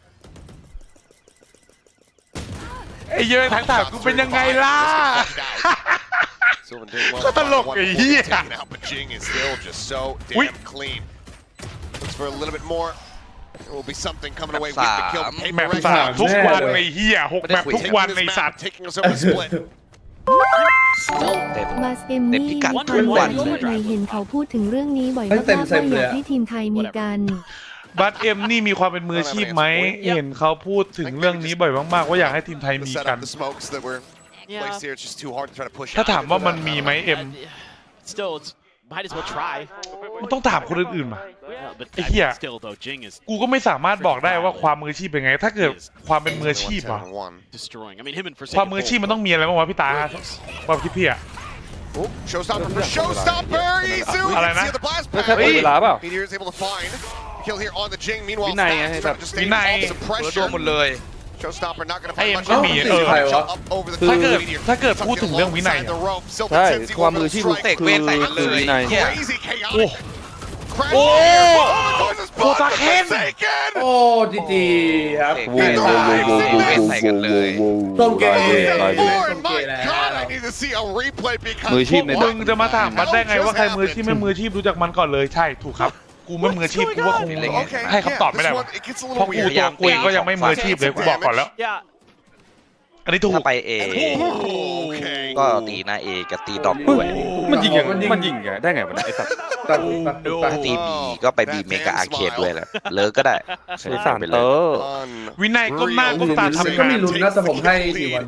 [SPEAKER 1] ไอ้เหี้ยทักถามกูเป็นยังไงล่ะ
[SPEAKER 4] Sylvan did well.
[SPEAKER 1] ก็ตลกไอ้เหี้ย
[SPEAKER 4] Taken out, but Jing is still just so
[SPEAKER 1] Ui.
[SPEAKER 4] damn clean. Looks for a little bit more. There will be something coming away with
[SPEAKER 3] Map
[SPEAKER 4] the kill.
[SPEAKER 3] สาม
[SPEAKER 1] แม
[SPEAKER 4] Paper
[SPEAKER 1] ป
[SPEAKER 4] Rex
[SPEAKER 1] สามทุกวัน
[SPEAKER 2] แน่เลย
[SPEAKER 1] ในเหี้ยหกแมปทุกวันใน
[SPEAKER 4] taking this
[SPEAKER 1] สั
[SPEAKER 4] map,
[SPEAKER 1] ตว์
[SPEAKER 4] taking us over the split.
[SPEAKER 3] เต็ม
[SPEAKER 9] บาสเอ็ม
[SPEAKER 3] เต็ม
[SPEAKER 9] นี่
[SPEAKER 3] พิกัด
[SPEAKER 9] ที่
[SPEAKER 3] ทุกวัน
[SPEAKER 9] พูดไปเห็นเขาพูดถึงเรื่องนี้บ่อย
[SPEAKER 2] เฮ้ย
[SPEAKER 9] มาก
[SPEAKER 2] เต็ม
[SPEAKER 9] ๆ
[SPEAKER 2] เต็
[SPEAKER 9] ว่าม อ
[SPEAKER 2] เลย
[SPEAKER 9] ยาก
[SPEAKER 2] อะ
[SPEAKER 9] ให้ทีมไทยมีกัน
[SPEAKER 1] บัตเอ็มนี่มีความเป็นมืออาชีพไหมเห็นเขาพูดถึงเรื่องนี้บ่อยมากๆว่าอยากให้ทีมไทย
[SPEAKER 4] The
[SPEAKER 1] มีกัน
[SPEAKER 4] setup, the smokes that were
[SPEAKER 6] Yeah.
[SPEAKER 4] placed here, it's just too hard to try to push
[SPEAKER 1] ถ้า
[SPEAKER 4] out.
[SPEAKER 1] ถามว่ามันมีไหมเอ็ม
[SPEAKER 6] Still, it's might as well try.
[SPEAKER 1] มันต้องถามคนอื่นๆมา
[SPEAKER 6] Yeah, but
[SPEAKER 1] Hey,
[SPEAKER 6] I mean,
[SPEAKER 1] yeah.
[SPEAKER 6] still though, Jing is
[SPEAKER 1] กูก็ไม่สามารถบอกได้ว่าความมืออาชีพเป็นไง ถ้าเกิดความเป็นมืออาชีพอะ
[SPEAKER 4] One.
[SPEAKER 6] destroying. I mean, him and
[SPEAKER 1] ความ
[SPEAKER 6] Forsaken
[SPEAKER 1] มืออาชีพ
[SPEAKER 6] both,
[SPEAKER 1] มันต้องมีอะไรบ้างวะพี่ตาความคิดพี่อะ
[SPEAKER 4] Oh, showstopper for showstopper. Izu. You
[SPEAKER 1] อะไร
[SPEAKER 4] can
[SPEAKER 1] นะ
[SPEAKER 4] see the blast
[SPEAKER 7] แล้วแค่
[SPEAKER 4] pad.
[SPEAKER 7] เปิดเวลาเปล่า
[SPEAKER 4] Meteor is able to find kill here on the Jing. Meanwhile,
[SPEAKER 7] วินัยไง
[SPEAKER 4] Snacks
[SPEAKER 7] แบบ
[SPEAKER 4] trying to stay
[SPEAKER 1] วินัย
[SPEAKER 4] off some
[SPEAKER 3] เปิดรวม
[SPEAKER 4] pressure.
[SPEAKER 3] หมดเลย
[SPEAKER 4] Showstopper not going to
[SPEAKER 1] ไอ้
[SPEAKER 4] find
[SPEAKER 1] เอ็ม
[SPEAKER 4] much
[SPEAKER 1] ก็
[SPEAKER 4] of
[SPEAKER 1] มี
[SPEAKER 4] a
[SPEAKER 1] เออ
[SPEAKER 2] ใครวะ
[SPEAKER 4] up over the
[SPEAKER 1] ถ้าเกิด
[SPEAKER 4] Meteor.
[SPEAKER 1] ถ้าเกิดพูดถึงเรื่องวินัย
[SPEAKER 4] Inside
[SPEAKER 1] อะ
[SPEAKER 4] the rope. Silver
[SPEAKER 7] ใช่
[SPEAKER 4] Timsy
[SPEAKER 7] ความ
[SPEAKER 4] will
[SPEAKER 7] มืออาชีพ
[SPEAKER 4] strike.
[SPEAKER 3] เตะเวทใส่กันเลย
[SPEAKER 7] คือวินัย
[SPEAKER 3] เหี้ย
[SPEAKER 4] Crazy
[SPEAKER 1] โอ้
[SPEAKER 4] chaotic. Crash
[SPEAKER 1] โอ้
[SPEAKER 4] here. Oh, the course is
[SPEAKER 1] โคตร
[SPEAKER 4] blocked.
[SPEAKER 1] เค้น
[SPEAKER 4] Forsaken.
[SPEAKER 2] โอ้จีจีครับ
[SPEAKER 3] เตะ
[SPEAKER 2] เว
[SPEAKER 3] เวท
[SPEAKER 2] ท
[SPEAKER 3] ใส่
[SPEAKER 2] ตาย
[SPEAKER 3] เวทใส่กันเลย
[SPEAKER 2] ต้มเกม
[SPEAKER 7] ลายเลยลายเลย
[SPEAKER 4] Four, and my God, I need to see a replay because
[SPEAKER 7] มืออาชีพใน
[SPEAKER 1] มึงจะมาถามมันได้ไงว่าใครมืออาชีพไม่มืออาชีพรู้จักมันก่อนเลยใช่ถูกครับ กูไม่มืออาชีพกูว่าคง
[SPEAKER 4] Okay,
[SPEAKER 1] ให้คำตอบ
[SPEAKER 4] yeah,
[SPEAKER 1] ไม่ได้
[SPEAKER 4] this
[SPEAKER 1] วะ
[SPEAKER 4] one, it gets a
[SPEAKER 1] เพราะ
[SPEAKER 4] little
[SPEAKER 1] กู
[SPEAKER 4] weird.
[SPEAKER 1] ตัวกูเองก็ยังไม่มืออาชีพเลยกูบอกก่อนแล้ว
[SPEAKER 6] Yeah,
[SPEAKER 1] อันนี้ถูก
[SPEAKER 3] ถ้าไปเอ
[SPEAKER 4] Okay.
[SPEAKER 3] ก็ตีหน้าเอกับตีดรอปด้วย
[SPEAKER 7] มันยิงยังมันยิงไงได้ไงวะเนี่ยไอ้สัตว์
[SPEAKER 2] ตัดตัดตัด
[SPEAKER 3] ถ้าตีบีก็ไปบีเมกาอาร์เคดด้วยแหละเลิกก็ได้
[SPEAKER 7] ไอ้สาร
[SPEAKER 3] ไป
[SPEAKER 7] เต
[SPEAKER 3] เล
[SPEAKER 7] อย ร์
[SPEAKER 1] วินัยก้มหน้าก้มตาทำ
[SPEAKER 2] ก็
[SPEAKER 1] งาน
[SPEAKER 2] มีลุ้นนะแต่ผมให้ดีวัน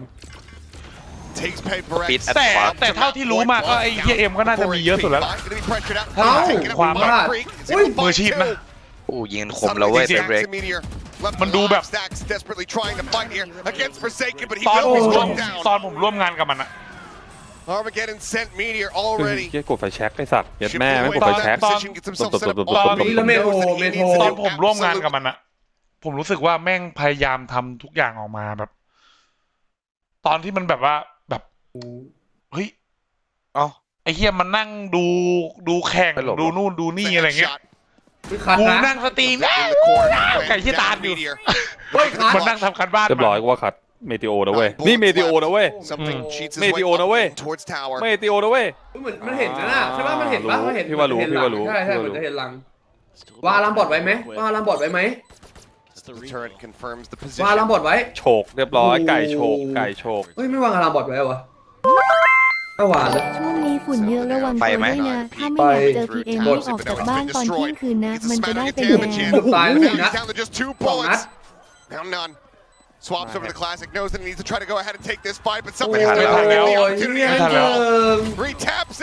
[SPEAKER 4] Takes Paper Rex.
[SPEAKER 3] ปิด
[SPEAKER 1] แต่แต่เท่าที่รู้มาก็ไอ้เหี้ยเอ็มก็น่าจะมีเยอะสุดแล้ว
[SPEAKER 4] Gonna be pressured out.
[SPEAKER 1] ถ้า
[SPEAKER 2] เอ้า
[SPEAKER 1] ความแบบ
[SPEAKER 2] บ้า
[SPEAKER 4] It's
[SPEAKER 2] อุ้ย
[SPEAKER 4] able to
[SPEAKER 1] มือ
[SPEAKER 4] find
[SPEAKER 1] อาชีพนะ
[SPEAKER 4] two.
[SPEAKER 3] โอ้ยิงคมแล้วเว้ย
[SPEAKER 4] Suddenly
[SPEAKER 3] เป็นเบรก
[SPEAKER 4] Stacks and Meteor left
[SPEAKER 1] มันดูแบบ
[SPEAKER 4] Stacks desperately trying to fight here against Forsaken, but he
[SPEAKER 1] ตอนผ
[SPEAKER 4] will
[SPEAKER 1] ม
[SPEAKER 4] be
[SPEAKER 1] ร่วม
[SPEAKER 4] struck down.
[SPEAKER 1] ตอนผมร่วมงานกับมันอะ
[SPEAKER 4] Armageddon sent Meteor
[SPEAKER 7] เฮ้ย
[SPEAKER 4] already.
[SPEAKER 7] เหี้ยกดไฟแช็กไอ้สัตว์เหี้ยแม่ไม่กด
[SPEAKER 4] Shipping
[SPEAKER 7] ไฟ
[SPEAKER 4] away
[SPEAKER 7] แช็ก
[SPEAKER 4] from that position, gets himself set up
[SPEAKER 7] ตบ
[SPEAKER 4] on
[SPEAKER 1] ตอนนี้
[SPEAKER 4] Meteor.
[SPEAKER 2] แล้วเมโทร
[SPEAKER 4] Knows that he
[SPEAKER 2] เม
[SPEAKER 4] needs
[SPEAKER 2] โทร
[SPEAKER 4] to
[SPEAKER 1] ตอน
[SPEAKER 4] do
[SPEAKER 1] ผมร่วมงาน
[SPEAKER 4] absolute-
[SPEAKER 1] กับมันอะผมรู้สึกว่าแม่งพยายามทำทุกอย่างออกมาแบบ ตอนที่มันแบบว่าแบบเฮ้ย
[SPEAKER 3] เอ้า
[SPEAKER 1] ไอ้เฮียมันนั่งดูดูแข่ง
[SPEAKER 7] ไปหลบ
[SPEAKER 1] ดูนู่นดูนี่อะไรเงี้ย
[SPEAKER 4] Shot
[SPEAKER 2] คัด
[SPEAKER 1] กู
[SPEAKER 2] นะ
[SPEAKER 1] นั่งสตรีม
[SPEAKER 4] in the corner.
[SPEAKER 1] ไก่ที่ตามอยู่
[SPEAKER 4] Meteor.
[SPEAKER 2] เฮ้ยคัด
[SPEAKER 1] มันนั่งทำการบ้าน
[SPEAKER 7] เรียบร้อยก็ว่าขัดเมติโอนะเว้ยนี่เมติโอนะเว้ย
[SPEAKER 4] Something cheats his
[SPEAKER 7] เม
[SPEAKER 4] way
[SPEAKER 7] ติโอนะ
[SPEAKER 4] up
[SPEAKER 7] เว้ย
[SPEAKER 4] and towards tower.
[SPEAKER 7] เมติโอนะเว้ย
[SPEAKER 2] เหมือนมันเห็นนะน่ะใช่ป่ะมันเห็นป่ะมันเห็น
[SPEAKER 7] พี่ว่ารู้
[SPEAKER 2] เห็น
[SPEAKER 7] พี่
[SPEAKER 2] หลั
[SPEAKER 7] ว่าง รู้
[SPEAKER 2] ใช่ใช่
[SPEAKER 7] พี่
[SPEAKER 2] เหมื
[SPEAKER 7] ว่ารู้
[SPEAKER 2] อนจะเห็นหลัง
[SPEAKER 6] still
[SPEAKER 2] วาลังบอดไว้ไหมวาลังบอดไว้ไหม
[SPEAKER 6] It's the
[SPEAKER 4] The
[SPEAKER 6] replay.
[SPEAKER 4] turret confirms the
[SPEAKER 2] วาลัง
[SPEAKER 4] position.
[SPEAKER 2] บอดไว้
[SPEAKER 7] โฉกเรียบร้อยไก่โฉกไก่โฉก
[SPEAKER 2] เฮ้ยไม่วางอารามบอดไว้เหรอวะไม่วางนะ
[SPEAKER 9] ช่วงนี้ฝุ่นเยอะระวัง
[SPEAKER 3] ไป
[SPEAKER 9] ตัว
[SPEAKER 3] ไหม
[SPEAKER 9] ด้วยนะ ถ้าไม่อยากเจอพีเอ็มรีบออกจากบ้านตอนเที่ยงคืนนะ
[SPEAKER 4] Gets a
[SPEAKER 9] มันจะได้
[SPEAKER 4] smattering
[SPEAKER 9] ไป
[SPEAKER 4] of
[SPEAKER 9] แย่
[SPEAKER 4] damage in.
[SPEAKER 2] เกือบตายแล้ว
[SPEAKER 4] Now
[SPEAKER 2] เนี่ย
[SPEAKER 4] he's
[SPEAKER 2] นะ
[SPEAKER 4] down to just two
[SPEAKER 2] สองนัด
[SPEAKER 4] bullets. Now none. Swaps over the classic, knows that he needs to try to go ahead and take this fight, but somebody
[SPEAKER 2] โอ้
[SPEAKER 4] has
[SPEAKER 2] ย
[SPEAKER 4] to
[SPEAKER 1] ไม่ทันแล้ว
[SPEAKER 4] get the
[SPEAKER 2] โอ้ย
[SPEAKER 4] opportunity.
[SPEAKER 2] เฮีย
[SPEAKER 1] ไม่ทัน
[SPEAKER 2] เจิ
[SPEAKER 1] แล้ว
[SPEAKER 2] ง
[SPEAKER 4] Retaps it.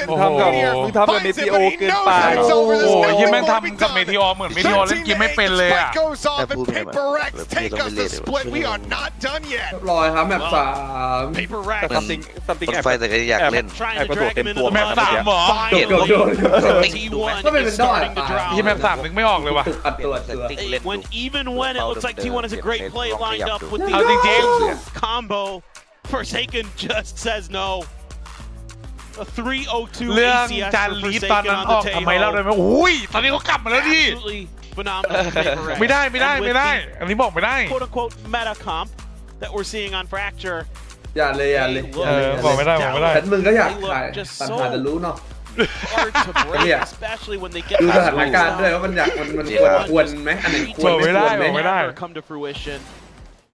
[SPEAKER 7] งทำกับมึงทำกับเมทิโอเกินไป
[SPEAKER 1] โอ้โหเฮียแม่งทำกับเมทิออเหมือนเมทิออเล่นเกมไม่เป็นเลยอ่ะ
[SPEAKER 4] Goes off and Paper Rex take us the split. We are not done yet.
[SPEAKER 2] เรียบร้อยครับแมปสาม
[SPEAKER 6] Paper
[SPEAKER 7] แต่
[SPEAKER 6] Rex
[SPEAKER 7] ซัมติงซัมติง
[SPEAKER 3] คน
[SPEAKER 7] แอบ
[SPEAKER 3] ไฟแต่ก็อยากเล่น
[SPEAKER 6] trying
[SPEAKER 7] แอบ
[SPEAKER 6] to
[SPEAKER 7] กระโดด
[SPEAKER 6] drag
[SPEAKER 7] เต็ม
[SPEAKER 6] him
[SPEAKER 7] ตัว
[SPEAKER 6] into the
[SPEAKER 1] แมปสาม
[SPEAKER 6] mud.
[SPEAKER 1] เหรอ
[SPEAKER 2] โดดโดด
[SPEAKER 6] Finally,
[SPEAKER 2] โดด
[SPEAKER 6] T one
[SPEAKER 2] ก็เป็น
[SPEAKER 6] is
[SPEAKER 2] เป็นด้อย
[SPEAKER 6] starting to
[SPEAKER 1] เฮียแมป
[SPEAKER 6] drown.
[SPEAKER 1] สามนึกไม่ออกเลยว่ะ
[SPEAKER 2] ตุกอัดตัวเสือ
[SPEAKER 6] When even when it looks like T one has a great play lined up with
[SPEAKER 1] เอาจริง
[SPEAKER 6] the combo, Forsaken just says no. A three oh two
[SPEAKER 1] เรื่อง
[SPEAKER 6] A C S
[SPEAKER 1] จาน
[SPEAKER 6] for
[SPEAKER 1] ลีดตอน
[SPEAKER 6] Forsaken
[SPEAKER 1] นั้น
[SPEAKER 6] on
[SPEAKER 1] อ
[SPEAKER 6] the
[SPEAKER 1] อกทำไมเล่าได้
[SPEAKER 6] table.
[SPEAKER 1] ไหมอุ้ยตอนนี้เขากลับมาแล้วดิ
[SPEAKER 6] Absolutely phenomenal. Paper Rex.
[SPEAKER 1] ไม่ได้ไม่ได้
[SPEAKER 6] And with
[SPEAKER 1] ไม่ได้
[SPEAKER 6] the
[SPEAKER 1] อันนี้บอกไม่ได้
[SPEAKER 6] quote unquote meta comp that we're seeing on Fracture.
[SPEAKER 2] อย่าเลยอย่าเลยอย่า
[SPEAKER 1] เอ
[SPEAKER 2] เลย
[SPEAKER 1] อบอกไม่ได้บอกไม่ได้
[SPEAKER 2] แต่มึงก็อยากถ่ายปัญหาจะรู้เนาะ
[SPEAKER 6] Hard to break,
[SPEAKER 2] Yeah.
[SPEAKER 6] especially when they get
[SPEAKER 2] ดูส
[SPEAKER 6] past
[SPEAKER 2] ถานการณ์ด้วยว่ามันอยากมันมันควรควรไหมอันไหนควร
[SPEAKER 1] บอกไม่ได้
[SPEAKER 2] ควรไหม
[SPEAKER 1] บอกไม่ได้
[SPEAKER 6] Never come to fruition.